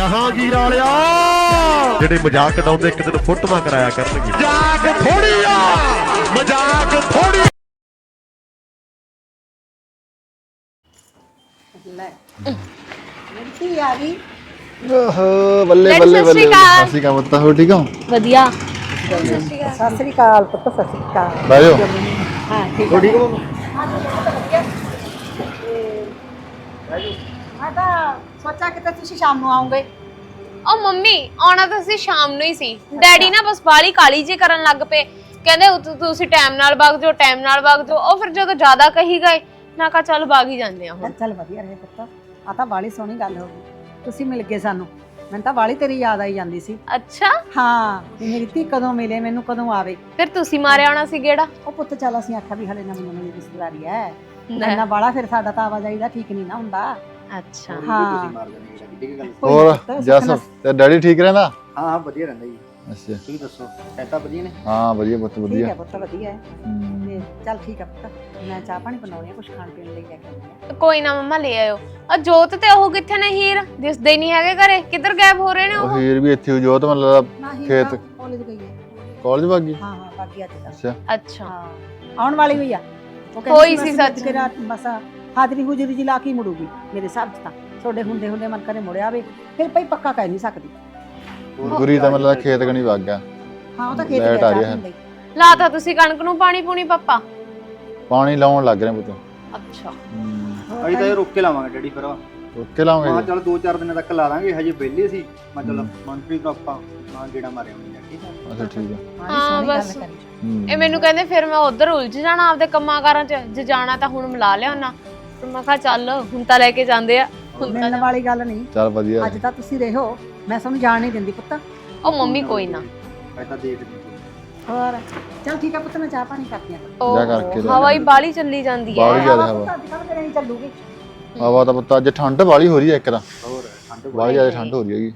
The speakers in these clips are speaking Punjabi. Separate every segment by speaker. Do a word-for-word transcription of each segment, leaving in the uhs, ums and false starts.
Speaker 1: ਜਹਾਂਗੀਰ ਵਾਲਿਆ ਜਿਹੜੇ ਮਜ਼ਾਕ ਉਡਾਉਂਦੇ ਇੱਕ ਦਿਨ ਫੋਟੋਆਂ ਕਰਾਇਆ ਕਰਨਗੇ। ਮਜ਼ਾਕ ਥੋੜੀ ਆ, ਮਜ਼ਾਕ ਥੋੜੀ।
Speaker 2: ਲੈ ਮਿਲਤੀ ਆ ਗਈ।
Speaker 3: ਓਹੋ ਬੱਲੇ ਬੱਲੇ ਬੱਲੇ। ਸਤਿ ਸ਼੍ਰੀ ਅਕਾਲ ਪੁੱਤ, ਹੋ ਠੀਕ ਹੋ?
Speaker 4: ਵਧੀਆ।
Speaker 2: ਸਤਿ ਸ੍ਰੀ ਅਕਾਲ ਪੁੱਤ, ਸਤਿ ਸ੍ਰੀ ਅਕਾਲ।
Speaker 3: ਬਾਇਓ
Speaker 2: ਹਾਂ ਠੀਕ
Speaker 3: ਹੋ ਠੀਕ ਹੋ?
Speaker 2: ਮੈਂ ਤਾਂ ਸੋਚਿਆ ਕਿ ਤੁਸੀਂ ਸ਼ਾਮ ਨੂੰ ਆਉਂਗੇ।
Speaker 4: ਉਹ ਮੰਮੀ ਆਉਣਾ ਤਾਂ ਅਸੀਂ ਸ਼ਾਮ ਨੂੰ ਹੀ ਸੀ। ਡੈਡੀ ਨਾ ਬਸ ਬਾਲੀ ਕਾਲੀ ਜੀ ਕਰਨ ਲੱਗ ਪਏ, ਕਹਿੰਦੇ ਉਤ- ਤੁਸੀਂ ਟਾਈਮ ਨਾਲ ਵਗ ਜਾਓ, ਟਾਈਮ ਨਾਲ ਵਗ ਜਾਓ। ਉਹ ਫਿਰ ਜਦੋਂ ਜ਼ਿਆਦਾ ਕਹੀ ਗਏ ਨਾ ਕਹਾ ਚੱਲ ਵਗ ਹੀ ਜਾਂਦੇ ਆ ਹੁਣ।
Speaker 2: ਚੱਲ ਵਧੀਆ ਰਹੇ ਪੁੱਤ, ਆ ਤਾਂ ਬਾਲੀ ਸੋਹਣੀ ਗੱਲ ਹੋ ਗਈ, ਤੁਸੀਂ ਮਿਲ ਗਏ ਸਾਨੂੰ। ਮੈਨੂੰ ਤਾਂ ਬਾਲੀ ਤੇਰੀ ਯਾਦ ਆਈ ਜਾਂਦੀ ਸੀ।
Speaker 4: ਅੱਛਾ
Speaker 2: ਹਾਂ ਵੀ ਮੇਰੀ ਧੀ ਕਦੋਂ ਮਿਲੇ, ਮੈਨੂੰ ਕਦੋਂ ਆਵੇ।
Speaker 4: ਫਿਰ ਤੁਸੀਂ ਮਾਰਿਆ ਆਉਣਾ ਸੀ ਗੇੜਾ।
Speaker 2: ਉਹ ਪੁੱਤ ਚੱਲ ਅਸੀਂ ਆਖਿਆ ਵੀ ਹਲੇ ਨਵੀਂ ਨਵੀਂ ਰਿਸ਼ਤੇਦਾਰੀ ਐ, ਇੰਨਾ ਬਾਲਾ ਫਿਰ ਸਾਡਾ ਤਾਂ ਆਵਾਜਾਈ ਦਾ ਠੀਕ ਨਹੀਂ ਨਾ ਹੁੰਦਾ।
Speaker 4: ਅੱਛਾ
Speaker 2: ਹਾਂ
Speaker 3: ਹੋਰ ਜਸ ਤੇ ਡੈਡੀ ਠੀਕ ਰਹਿੰਦਾ?
Speaker 5: ਹਾਂ ਹਾਂ ਵਧੀਆ ਰਹਿੰਦਾ ਜੀ।
Speaker 3: ਅੱਛਾ
Speaker 5: ਤੁਸੀਂ ਦੱਸੋ ਸੈਟਾ ਵਧੀਆ ਨੇ?
Speaker 3: ਹਾਂ ਵਧੀਆ ਪੁੱਤ
Speaker 2: ਠੀਕ
Speaker 3: ਵਧੀਆ।
Speaker 2: ਹੈ ਪੁੱਤ ਵਧੀਆ ਹੈ। ਤੇ ਚੱਲ ਠੀਕ ਹੈ ਪੁੱਤ, ਮੈਂ ਚਾਹ ਪਾਣੀ ਬਣਾਉਣੀ ਆ, ਕੁਝ ਖਾਣ ਪੀਣ ਲਈ ਲੈ ਕੇ ਆਉਂਦੀ ਆ।
Speaker 4: ਕੋਈ ਨਾ ਮੰਮਾ ਲੈ ਆਇਓ। ਆ ਜੋਤ ਤੇ ਉਹ ਕਿੱਥੇ ਨੇ? ਹੀਰ ਦਿਸਦੇ ਨਹੀਂ ਹੈਗੇ ਘਰੇ, ਕਿੱਧਰ ਗਾਇਬ ਹੋ ਰਹੇ ਨੇ
Speaker 3: ਉਹ
Speaker 4: ਉਹ?
Speaker 3: ਹੀਰ ਵੀ ਇੱਥੇ ਜੋਤ ਮਤਲਬ
Speaker 2: ਨਹੀਂ
Speaker 3: ਖੇਤ
Speaker 2: ਕਾਲਜ ਗਈ ਹੈ।
Speaker 3: ਕਾਲਜ ਭਾਗੀ।
Speaker 2: ਹਾਂ ਹਾਂ ਬਾਕੀ ਅੱਜ ਤੱਕ।
Speaker 3: ਅੱਛਾ
Speaker 4: ਅੱਛਾ
Speaker 2: ਹਾਂ ਆਉਣ ਵਾਲੀ ਹੋਈ ਆ। ਉਹ
Speaker 4: ਹੋਈ
Speaker 2: ਕਹਿੰਦੀ
Speaker 4: ਸੀ
Speaker 2: ਮੈਂ
Speaker 4: ਸੱਚ।
Speaker 2: ਕਿ ਰਾਤ ਬਸ ਹਾਜ਼ਰੀ ਹੁਜਰੀ ਜੀ ਲਾ ਕੇ ਮੁੜੂਗੀ ਮੇਰੇ ਹਿਸਾਬ 'ਚ ਤਾਂ। ਤੁਹਾਡੇ ਹੁੰਦੇ ਹੁੰਦੇ ਮਨ ਕਰੇ ਮੁੜਿਆ ਆਵੇ, ਫਿਰ ਭਈ ਪੱਕਾ ਕਹਿ ਨਹੀਂ ਸਕਦੀ।
Speaker 3: ਗੁਰੀ ਤਾਂ ਮਤਲਬ ਖੇਤ ਕਣੀ ਵਗ ਗਿਆ।
Speaker 2: ਹਾਂ ਉਹ ਤਾਂ ਖੇਤ
Speaker 3: ਲਾਈਟ
Speaker 2: ਗਿਆ
Speaker 3: ਆ ਰਹੀ
Speaker 2: ਚਾਹ
Speaker 3: ਹੈ।
Speaker 2: ਪੀਣ ਲਈ।
Speaker 4: ਲਾਤਾ ਤੁਸੀਂ ਕਣਕ ਨੂੰ ਪਾਣੀ ਪੂਣੀ ਪਾਪਾ?
Speaker 3: ਪਾਣੀ ਲਾਉਣ ਲੱਗ ਰਹੇ ਪੁੱਤ।
Speaker 4: ਅੱਛਾ
Speaker 2: ਹੋਰ
Speaker 5: ਅਸੀਂ ਤਾਂ
Speaker 2: ਤਾਂ
Speaker 5: ਇਹ ਰੁੱਕ ਕੇ ਲਾਵਾਂਗੇ ਡੈਡੀ ਫਿਰ।
Speaker 3: ਓਕੇ ਲਾਉਂਗੇ
Speaker 5: ਹਾਂ
Speaker 3: ਜੀ।
Speaker 5: ਚਲ ਦੋ ਚਾਰ ਦਿਨਾਂ ਤੱਕ ਲਾ ਦਾਂਗੇ, ਹਜੇ ਵਿਹਲੇ ਸੀ। ਮੈਂ ਚਲ ਮਨਪ੍ਰੀਤ ਨੂੰ ਆਪਾਂ ਨਾਲ ਗੇੜਾ ਮਾਰਿਆ ਹੁੰਦੀ ਆ। ਠੀਕ ਹੈ
Speaker 3: ਅੱਛਾ ਠੀਕ ਹੈ।
Speaker 2: ਮਾੜੀ
Speaker 4: ਹਾਂ,
Speaker 2: ਸੋਹਣੀ ਗੱਲ
Speaker 4: ਬਸ।
Speaker 2: ਕਰੀ।
Speaker 3: ਹੂੰ।
Speaker 4: ਇਹ ਮੈਨੂੰ ਕਹਿੰਦੇ ਫਿਰ ਮੈਂ ਉਧਰ ਉਲਝ ਜਾਣਾ ਆਪਦੇ ਕੰਮਾਂ ਕਾਰਾਂ 'ਚ। ਜੇ ਜਾਣਾ ਤਾਂ ਹੁਣ ਮਿਲਾ ਲਿਆਉਣਾ। ਫਿਰ ਮੈਂ ਕਿਹਾ ਚੱਲ ਹੁਣ ਤਾਂ ਲੈ ਕੇ ਜਾਂਦੇ ਆ, ਹੁਣ ਤਾਂ
Speaker 2: ਮਿਲਣ ਵਾਲੀ ਗੱਲ ਨਹੀਂ।
Speaker 3: ਚੱਲ ਵਧੀਆ।
Speaker 2: ਅੱਜ ਤਾਂ ਤੁਸੀਂ ਰਹੋ, ਮੈਂ ਤੁਹਾਨੂੰ ਜਾਣ ਨਹੀਂ ਦਿੰਦੀ ਪੁੱਤ।
Speaker 4: ਉਹ ਮੰਮੀ ਕੋਈ ਨਾ।
Speaker 5: ਮੈਂ ਤਾਂ ਦੇਖ ਲਈ।
Speaker 2: ਹੋਰ ਚੱਲ ਠੀਕ ਹੈ ਪੁੱਤ, ਮੈਂ ਚਾਹ ਪਾਣੀ ਕਰਦੀ ਆਂ।
Speaker 3: ਜਾ ਕਰਕੇ ਲਿਆ।
Speaker 4: ਹਵਾ ਹੀ ਬਾਲੀ ਚੱਲੀ ਜਾਂਦੀ ਹੈ।
Speaker 3: ਬਾਹਲੀ ਜ਼ਿਆਦਾ ਹਵਾ।
Speaker 2: ਅੱਜ ਕੱਲ੍ਹ ਮੇਰੇ ਨਹੀਂ ਚੱਲੂਗੀ।
Speaker 3: ਹਵਾ ਤਾਂ ਪੁੱਤ ਅੱਜ ਠੰਡ ਵਾਲੀ ਹੋ ਰਹੀ ਹੈ ਇੱਕ ਤਾਂ।
Speaker 5: ਹੋਰ ਠੰਡ
Speaker 3: ਬਾਹਲੀ ਜ਼ਿਆਦਾ ਠੰਡ ਹੋ ਰਹੀ ਹੈਗੀ।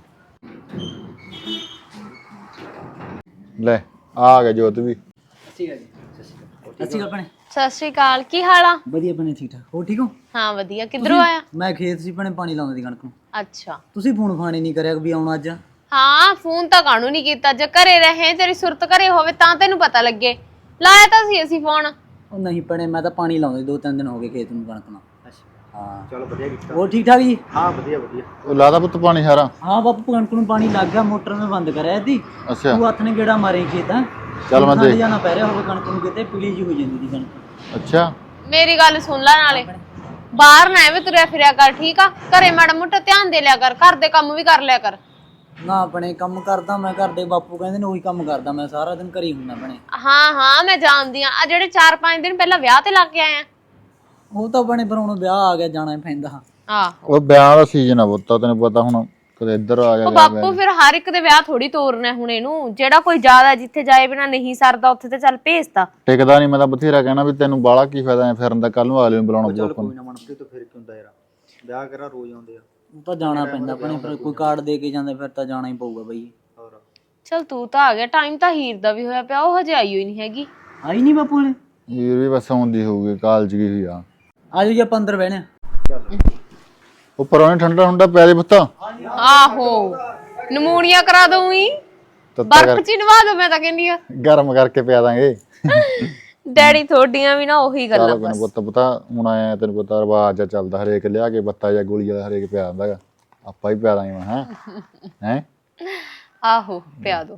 Speaker 3: ਲੈ ਆ ਗਿਆ ਜੋਤ ਵੀ।
Speaker 5: ਠੀਕ ਹੈ ਜੀ। ਸਤਿ ਸ਼੍ਰੀ ਅਕਾਲ। ਸਤਿ ਸ਼੍ਰੀ ਅਕਾਲ ਭੈਣੇ।
Speaker 4: ਸਤਿ ਸ਼੍ਰੀ ਅਕਾਲ, ਕੀ ਹਾਲ ਆ?
Speaker 5: ਵਧੀਆ ਭੈਣੇ, ਠੀਕ ਠਾਕ। ਹੋਰ ਠੀਕ ਹੋ?
Speaker 4: ਹਾਂ ਵਧੀਆ। ਕਿੱਧਰੋਂ ਆਇਆ?
Speaker 5: ਮੈਂ ਖੇਤ ਸੀ ਭੈਣੇ, ਪਾਣੀ ਲਾਉਂਦੀ ਕਣਕ ਨੂੰ।
Speaker 4: ਅੱਛਾ
Speaker 5: ਤੁਸੀਂ ਫੋਨ ਫਾਨ ਹੀ ਨਹੀਂ ਕਰਿਆ ਵੀ ਆਉਣਾ ਅੱਜ।
Speaker 4: ਹਾਂ ਫੋਨ ਤਾਂ ਕਾਹਨੂੰ ਨਹੀਂ ਕੀਤਾ? ਜੇ ਘਰੇ ਰਹੇ, ਤੇਰੀ ਸੁਰਤ ਘਰੇ ਹੋਵੇ ਤਾਂ ਤੈਨੂੰ ਪਤਾ ਲੱਗੇ। ਲਾਇਆ ਤਾਂ ਸੀ ਅਸੀਂ ਫੋਨ।
Speaker 5: ਉਹ ਨਹੀਂ ਭੈਣੇ, ਮੈਂ ਤਾਂ ਪਾਣੀ ਲਾਉਂਦੀ, ਦੋ ਤਿੰਨ ਦਿਨ ਹੋ ਗਏ ਖੇਤ ਨੂੰ ਕਣਕ ਨੂੰ। ਅੱਛਾ ਹਾਂ ਚਲੋ ਵਧੀਆ ਕੀਤਾ। ਹੋਰ ਠੀਕ ਠਾਕ ਜੀ? ਹਾਂ ਵਧੀਆ ਵਧੀਆ।
Speaker 3: ਉਹ ਲਾਦਾ ਪੁੱਤ ਪਾਣੀ ਸਾਰਾ?
Speaker 5: ਹਾਂ ਬਾਪੂ ਕਣਕ ਨੂੰ ਪਾਣੀ ਲੱਗ ਗਿਆ, ਮੋਟਰ ਮੈਂ ਬੰਦ ਕਰਿਆ ਸੀ।
Speaker 3: ਅੱਛਾ
Speaker 5: ਤੂੰ ਹੱਥ ਨੇ ਗੇੜਾ ਮਾਰੇ ਖੇਤ। ਹੈ
Speaker 3: ਚੱਲ ਮੈਂ ਦੇਖ।
Speaker 5: ਜਾਣਾ ਪੈ ਰਿਹਾ ਹੋਵੇ ਕਣਕ ਨੂੰ, ਕਿਤੇ ਪੀਲੀ ਜੀ ਹੋ ਜਾਂਦੀ ਦੀ ਕਣਕ।
Speaker 3: ਅੱਛਾ
Speaker 4: ਮੇਰੀ ਗੱਲ ਸੁਣ ਲੈ, ਨਾਲੇ ਬਾਹਰ ਨਾ ਐਵੇਂ ਤੁਰਿਆ ਫਿਰਿਆ ਕਰ, ਠੀਕ ਆ? ਘਰੇ ਮਾੜਾ ਮੋਟਾ ਧਿਆਨ ਦੇ ਲਿਆ ਕਰ, ਘਰ ਦੇ ਕੰਮ ਵੀ ਕਰ ਲਿਆ ਕਰ।
Speaker 5: ਨਾ ਆਪਣੇ ਕੰਮ ਕਰਦਾ ਮੈਂ, ਘਰ ਦੇ ਬਾਪੂ ਕਹਿੰਦੇ ਨੇ ਉਹੀ ਕੰਮ ਕਰਦਾ ਮੈਂ, ਸਾਰਾ ਦਿਨ ਘਰੇ ਹੀ ਹੁੰਦਾ ਆਪਣੇ।
Speaker 4: ਹਾਂ ਹਾਂ ਮੈਂ ਜਾਣਦੀ ਆ। ਆ ਜਿਹੜੇ ਚਾਰ ਪੰਜ ਦਿਨ ਪਹਿਲਾਂ ਵਿਆਹ ਤੇ ਲੱਗ ਕੇ ਆਏ ਆ।
Speaker 5: ਉਹ ਤਾਂ ਬਣੇ ਪਰ ਹੁਣ ਵਿਆਹ ਆ ਗਿਆ, ਜਾਣਾ ਹੀ ਪੈਂਦਾ।
Speaker 4: ਆਹ
Speaker 3: ਉਹ ਵਿਆਹ ਦਾ ਸੀਜ਼ਨ ਆ ਪੁੱਤ, ਤੈਨੂੰ ਪਤਾ ਹੁਣ ਕਦੇ ਇੱਧਰ ਆ ਜਾ।
Speaker 4: ਉਹ ਬਾਪੂ ਫਿਰ ਹਰ ਇੱਕ ਦੇ ਵਿਆਹ ਥੋੜੀ ਤੋਰਨਾ ਹੁਣ ਇਹਨੂੰ। ਜਿਹੜਾ ਕੋਈ ਜ਼ਿਆਦਾ ਜਿੱਥੇ ਜਾਏ ਬਿਨਾ ਨਹੀਂ ਸਰਦਾ ਉੱਥੇ ਤੇ ਚੱਲ ਭੇਜਦਾ।
Speaker 3: ਟਿਕਦਾ ਨਹੀਂ। ਮੈਂ ਤਾਂ ਬਥੇਰਾ ਕਹਿਣਾ ਵੀ ਤੈਨੂੰ ਬਾਹਲਾ ਕੀ ਫਾਇਦਾ ਐ ਫਿਰਨ ਦਾ, ਕੱਲ ਨੂੰ ਅਗਲੇ ਨੂੰ ਬੁਲਾਉਣਾ ਪਊ ਆਪਾਂ ਨੂੰ।
Speaker 5: ਕੋਈ ਨਾ ਮਨਪ੍ਰੀਤ ਤੋਂ ਫਿਰ ਕੀ ਹੁੰਦਾ ਯਾਰ, ਵਿਆਹ ਕਰਾ ਰੋਜ਼ ਆਉਂਦੇ ਆ। ਉਹ ਤਾਂ ਜਾਣਾ ਪੈਂਦਾ ਆਪਣੇ, ਫਿਰ ਕੋਈ ਕਾਰਡ ਦੇ ਕੇ ਜਾਂਦੇ ਫਿਰ ਤਾਂ ਜਾਣਾ ਹੀ ਪਊਗਾ ਬਈ। ਹੋਰ
Speaker 4: ਚੱਲ ਤੂੰ ਤਾਂ ਆ ਗਿਆ, ਟਾਈਮ ਤਾਂ ਹੀਰ ਦਾ ਵੀ ਹੋਇਆ ਪਿਆ, ਉਹ ਹਜੇ ਆਈ ਹੋਈ ਨਹੀਂ ਹੈਗੀ।
Speaker 5: ਆਈ ਨਹੀਂ ਬਾਪੂ ਨੇ?
Speaker 3: ਹੀਰ ਵੀ ਬਸ ਆਉਂਦੀ ਹੋਊਗੀ, ਕਾਲਜ ਗਈ ਹੋਈ ਆ।
Speaker 5: ਆਜੋ ਜੀ ਆਪਾਂ ਅੰਦਰ ਬਹਿਣੇ।
Speaker 3: ਉੱਪਰ ਉਹਨੇ ਠੰਡਾ ਠੰਡਾ ਪਿਆ ਦੇ ਪੁੱਤ।
Speaker 4: ਆਹੋ ਨਮੂਨੀਆ ਕਰਾ ਦਊਂਗੀ, ਬਰਫ਼ ਚ ਨਵਾ ਦੋ। ਮੈਂ ਤਾਂ ਕਹਿੰਦੀ ਆ
Speaker 3: ਗਰਮ ਕਰਕੇ ਪਿਆ ਦਾਂਗੇ।
Speaker 4: ਡੈਡੀ ਥੋਡੀਆਂ ਵੀ ਨਾ ਉਹੀ ਗੱਲਾਂ
Speaker 3: ਚੱਲ
Speaker 4: ਬਸ।
Speaker 3: ਪੁੱਤ ਪਤਾ ਹੁਣ ਆਇਆ ਤੈਨੂੰ ਪਤਾ ਰਿਵਾਜ ਆ ਚੱਲਦਾ, ਹਰੇਕ ਲਿਆ ਕੇ ਬੱਤਾ ਜਾਂ ਗੋਲੀ ਵਾਲਾ ਹਰੇਕ ਪਿਆ ਦਿੰਦਾ ਗਾ। ਆਪਾਂ ਹੀ ਪਿਆ ਦਾਂਗੇ ਮੈਂ। ਹੈ ਹੈ
Speaker 4: ਆਹੋ ਪਿਆ ਦੋ।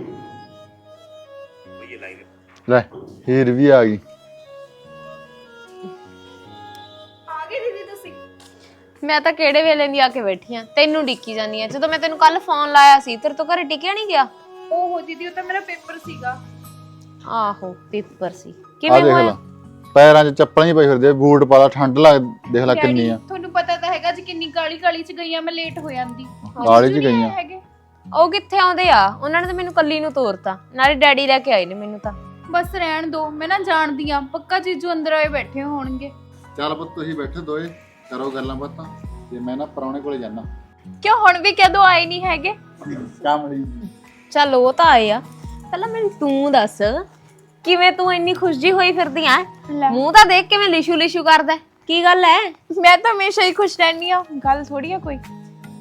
Speaker 3: ਲੈ ਹੀਰ ਵੀ ਆ ਗਈ।
Speaker 4: ਮੈਂ ਤਾਂ ਕਿਹੜੇ ਵੇਲੇ ਦੀ ਆ ਕੇ ਬੈਠੀ ਆ, ਤੈਨੂੰ ਡਿੱਕੀ ਜਾਂਦੀ ਆ। ਜਦੋਂ ਮੈਂ ਤੈਨੂੰ ਕੱਲ ਫੋਨ ਲਾਇਆ ਸੀ ਤੇਰੇ ਤੋਂ ਘਰੇ ਟਿਕਿਆ ਨਹੀਂ ਗਿਆ।
Speaker 6: ਓਹੋ ਦੀਦੀ, ਉਹ ਤਾਂ ਮੇਰਾ ਪੇਪਰ ਸੀਗਾ।
Speaker 4: ਆਹੋ ਪੇਪਰ ਸੀ।
Speaker 3: ਆ
Speaker 4: ਕਿਵੇਂ
Speaker 3: ਦੇਖ ਲੈ
Speaker 4: ਹੋਇਆ?
Speaker 3: ਪੈਰਾਂ 'ਚ ਚੱਪਲਾਂ ਹੀ ਪਈ ਫਿਰਦੇ ਆ, ਬੂਟ ਪਾ ਲਾ, ਠੰਡ ਲੱਗ ਦੇਖ ਲੈ ਕਿੰਨੀ ਆ।
Speaker 6: ਤੁਹਾਨੂੰ ਪਤਾ ਤਾਂ ਹੈਗਾ ਜੀ ਕਿੰਨੀ ਕਾਲੀ ਕਾਲੀ ਚ ਗਈ ਆ ਮੈਂ, ਲੇਟ ਹੋ ਜਾਂਦੀ।
Speaker 3: ਕਾਲੀ 'ਚ ਗਈਆਂ।
Speaker 6: ਹੈਗੇ
Speaker 4: ਉਹ ਕਿੱਥੇ ਆਉਂਦੇ ਆ? ਉਹਨਾਂ ਨੇ ਤਾਂ ਮੈਨੂੰ ਕੱਲੀ ਨੂੰ ਤੋਰਤਾ, ਨਾਲੇ ਡੈਡੀ ਲੈ ਕੇ ਆਏ ਨੇ ਮੈਨੂੰ ਤਾਂ।
Speaker 6: ਬਸ ਰਹਿਣ ਦੋ, ਮੈਂ ਨਾ ਜਾਣਦੀ ਆ, ਪੱਕਾ ਜੀਜੂ ਅੰਦਰ ਆਏ ਬੈਠੇ ਹੋਣਗੇ।
Speaker 3: ਚੱਲ ਪੁੱਤ ਤੁਸੀਂ ਬੈਠੇ ਦੋਏ, ਕਰੋ ਗੱਲਾਂ ਬਾਤਾਂ ਤੇ ਮੈਂ ਨਾ ਪਰੌਣੇ ਕੋਲੇ ਜਾਣਾ।
Speaker 6: ਕਿਉਂ ਹੁਣ ਵੀ ਕਦੋਂ ਆਏ ਨਹੀਂ ਹੈਗੇ?
Speaker 3: ਕੰਮ ਲਈ।
Speaker 4: ਚੱਲ ਉਹ ਤਾਂ ਆਏ ਆ, ਪਹਿਲਾਂ ਮੈਨੂੰ ਤੂੰ ਦੱਸ ਕਿਵੇਂ ਤੂੰ ਇੰਨੀ ਖੁਸ਼ੀ ਹੋਈ ਫਿਰਦੀ ਆ? ਮੂੰਹ ਤਾਂ ਦੇਖ ਕਿਵੇਂ ਲਿਸ਼ੂ ਲਿਸ਼ੂ ਕਰਦਾ, ਕੀ ਗੱਲ ਐ?
Speaker 6: ਮੈਂ ਤਾਂ ਹਮੇਸ਼ਾ ਹੀ ਖੁਸ਼ ਰਹਿੰਦੀ ਆ, ਗੱਲ ਥੋੜੀ ਆ ਕੋਈ।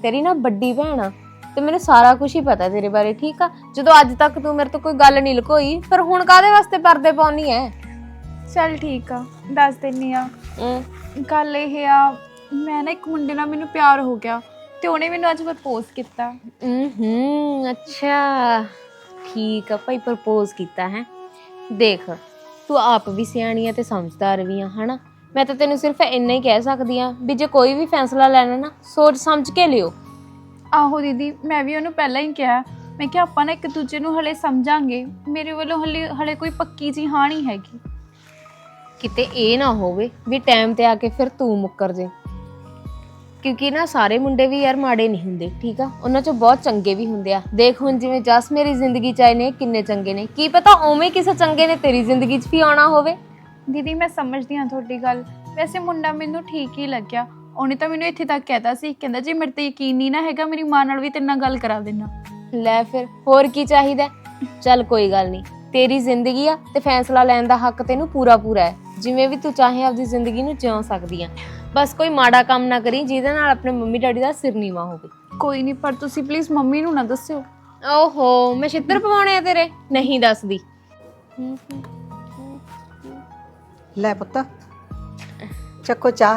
Speaker 4: ਤੇਰੀ ਨਾ ਵੱਡੀ ਭੈਣ ਆ ਤੇ ਮੈਨੂੰ ਸਾਰਾ ਕੁਝ ਹੀ ਪਤਾ ਤੇਰੇ ਬਾਰੇ, ਠੀਕ ਆ। ਜਦੋਂ ਅੱਜ ਤੱਕ ਤੂੰ ਮੇਰੇ ਤੋਂ ਕੋਈ ਗੱਲ ਨਹੀਂ ਲੁਕੋਈ, ਫਿਰ ਹੁਣ ਕਾਹਦੇ ਵਾਸਤੇ ਪਰਦੇ ਪਾਉਣੀ ਐ?
Speaker 6: ਚੱਲ ਠੀਕ ਆ, ਦੱਸ ਦਿੰਨੀ ਆ। ਗੱਲ ਇਹ ਆ, ਮੈਂ ਨਾ ਇੱਕ ਮੁੰਡੇ ਨਾਲ ਮੈਨੂੰ ਪਿਆਰ ਹੋ ਗਿਆ ਤੇ ਉਹਨੇ ਮੈਨੂੰ ਅੱਜ ਪ੍ਰਪੋਜ਼ ਕੀਤਾ।
Speaker 4: ਹੂੰ ਅੱਛਾ ਠੀਕ ਆ ਭਾਈ, ਪ੍ਰਪੋਜ਼ ਕੀਤਾ ਹੈ। ਦੇਖ ਤੂੰ ਆਪ ਵੀ ਸਿਆਣੀ ਆ ਤੇ ਸਮਝਦਾਰ ਵੀ ਆ, ਹਨਾ। ਮੈਂ ਤਾਂ ਤੈਨੂੰ ਸਿਰਫ ਇੰਨਾ ਹੀ ਕਹਿ ਸਕਦੀ ਆ ਵੀ ਜੇ ਕੋਈ ਵੀ ਫੈਸਲਾ ਲੈਣਾ ਨਾ ਸੋਚ ਸਮਝ ਕੇ ਲਿਓ।
Speaker 6: ਆਹੋ ਦੀਦੀ, ਮੈਂ ਵੀ ਉਹਨੂੰ ਪਹਿਲਾਂ ਹੀ ਕਿਹਾ, ਮੈਂ ਕਿਹਾ ਆਪਾਂ ਨਾ ਇੱਕ ਦੂਜੇ ਨੂੰ ਹਲੇ ਸਮਝਾਂਗੇ। ਮੇਰੇ ਵੱਲੋਂ ਹਲੇ ਹਲੇ ਕੋਈ ਪੱਕੀ ਜੀ ਹਾਂ ਨਹੀਂ ਹੈਗੀ।
Speaker 4: ਕਿਤੇ ਇਹ ਨਾ ਹੋਵੇ ਵੀ ਟਾਈਮ ਤੇ ਆ ਕੇ ਫਿਰ ਤੂੰ ਮੁੱਕਰ ਜੇ, ਕਿਉਂਕਿ ਨਾ ਸਾਰੇ ਮੁੰਡੇ ਵੀ ਯਾਰ ਮਾੜੇ ਨਹੀਂ ਹੁੰਦੇ, ਠੀਕ ਆ। ਉਹਨਾਂ ਚੋਂ ਬਹੁਤ ਚੰਗੇ ਵੀ ਹੁੰਦੇ ਆ। ਦੇਖ ਹੁਣ ਜਿਵੇਂ ਜਸ ਮੇਰੀ ਜ਼ਿੰਦਗੀ 'ਚ ਆਏ ਨੇ, ਕਿੰਨੇ ਚੰਗੇ ਨੇ, ਕੀ ਪਤਾ ਉਵੇਂ ਕਿਸੇ ਚੰਗੇ ਨੇ ਤੇਰੀ ਜ਼ਿੰਦਗੀ 'ਚ ਵੀ ਆਉਣਾ ਹੋਵੇ।
Speaker 6: ਦੀਦੀ ਮੈਂ ਸਮਝਦੀ ਹਾਂ ਤੁਹਾਡੀ ਗੱਲ, ਵੈਸੇ ਮੁੰਡਾ ਮੈਨੂੰ ਠੀਕ ਹੀ ਲੱਗਿਆ। ਉਹਨੇ ਤਾਂ ਮੈਨੂੰ ਇੱਥੇ ਤੱਕ ਕਹਿਤਾ ਸੀ, ਕਹਿੰਦਾ ਜੇ ਮੇਰੇ ਤੇ ਯਕੀਨ ਨਹੀਂ ਨਾ ਹੈਗਾ ਮੇਰੀ ਮਾਂ ਨਾਲ ਵੀ ਤੇਰੇ ਨਾਲ ਗੱਲ ਕਰਾ ਦੇਣਾ।
Speaker 4: ਲੈ ਫਿਰ ਹੋਰ ਕੀ ਚਾਹੀਦਾ। ਚੱਲ ਕੋਈ ਗੱਲ ਨਹੀਂ, ਤੇਰੀ ਜ਼ਿੰਦਗੀ ਆ ਤੇ ਫੈਸਲਾ ਲੈਣ ਦਾ ਹੱਕ ਤੈਨੂੰ ਪੂਰਾ ਪੂਰਾ ਹੈ। ਜਿਵੇਂ ਵੀ ਤੂੰ ਚਾਹੇ ਆਪਦੀ ਜ਼ਿੰਦਗੀ ਨੂੰ ਜਿਉ ਸਕਦੀ ਆ, ਬਸ ਕੋਈ ਮਾੜਾ ਕੰਮ ਨਾ ਕਰੀ ਜਿਹਦੇ ਨਾਲ ਆਪਣੇ ਮੰਮੀ ਡੈਡੀ ਦਾ ਸਿਰ ਨੀਵਾ ਹੋਵੇ।
Speaker 6: ਕੋਈ ਨਹੀਂ, ਪਰ ਤੁਸੀਂ ਪਲੀਜ਼ ਮੰਮੀ ਨੂੰ ਨਾ ਦੱਸਿਓ।
Speaker 4: ਓਹੋ ਮੈਂ ਛਿੱਤਰ ਪਵਾਉਣੇ ਆ ਤੇਰੇ? ਨਹੀਂ ਦੱਸਦੀ।
Speaker 2: ਲੈ ਪੁੱਤ ਚੱਕੋ ਚਾਹ।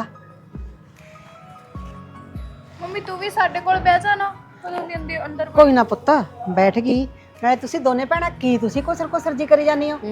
Speaker 6: ਮੰਮੀ ਤੂੰ ਵੀ ਸਾਡੇ ਕੋਲ ਬਹਿ ਜਾ ਨਾ, ਕਦੋਂ ਦੀ ਅੰਦਰ ਅੰਦਰ
Speaker 2: ਕੋਈ ਨਾ ਪੁੱਤ, ਬੈਠ ਗਈ। ਨਾਲੇ ਤੁਸੀਂ ਦੋਨੇ ਭੈਣਾਂ ਕੀ ਤੁਸੀਂ ਕੋਸਰ ਕੋਸਰ ਜੀ ਕਰੀ ਜਾਂਦੀ ਹੋ?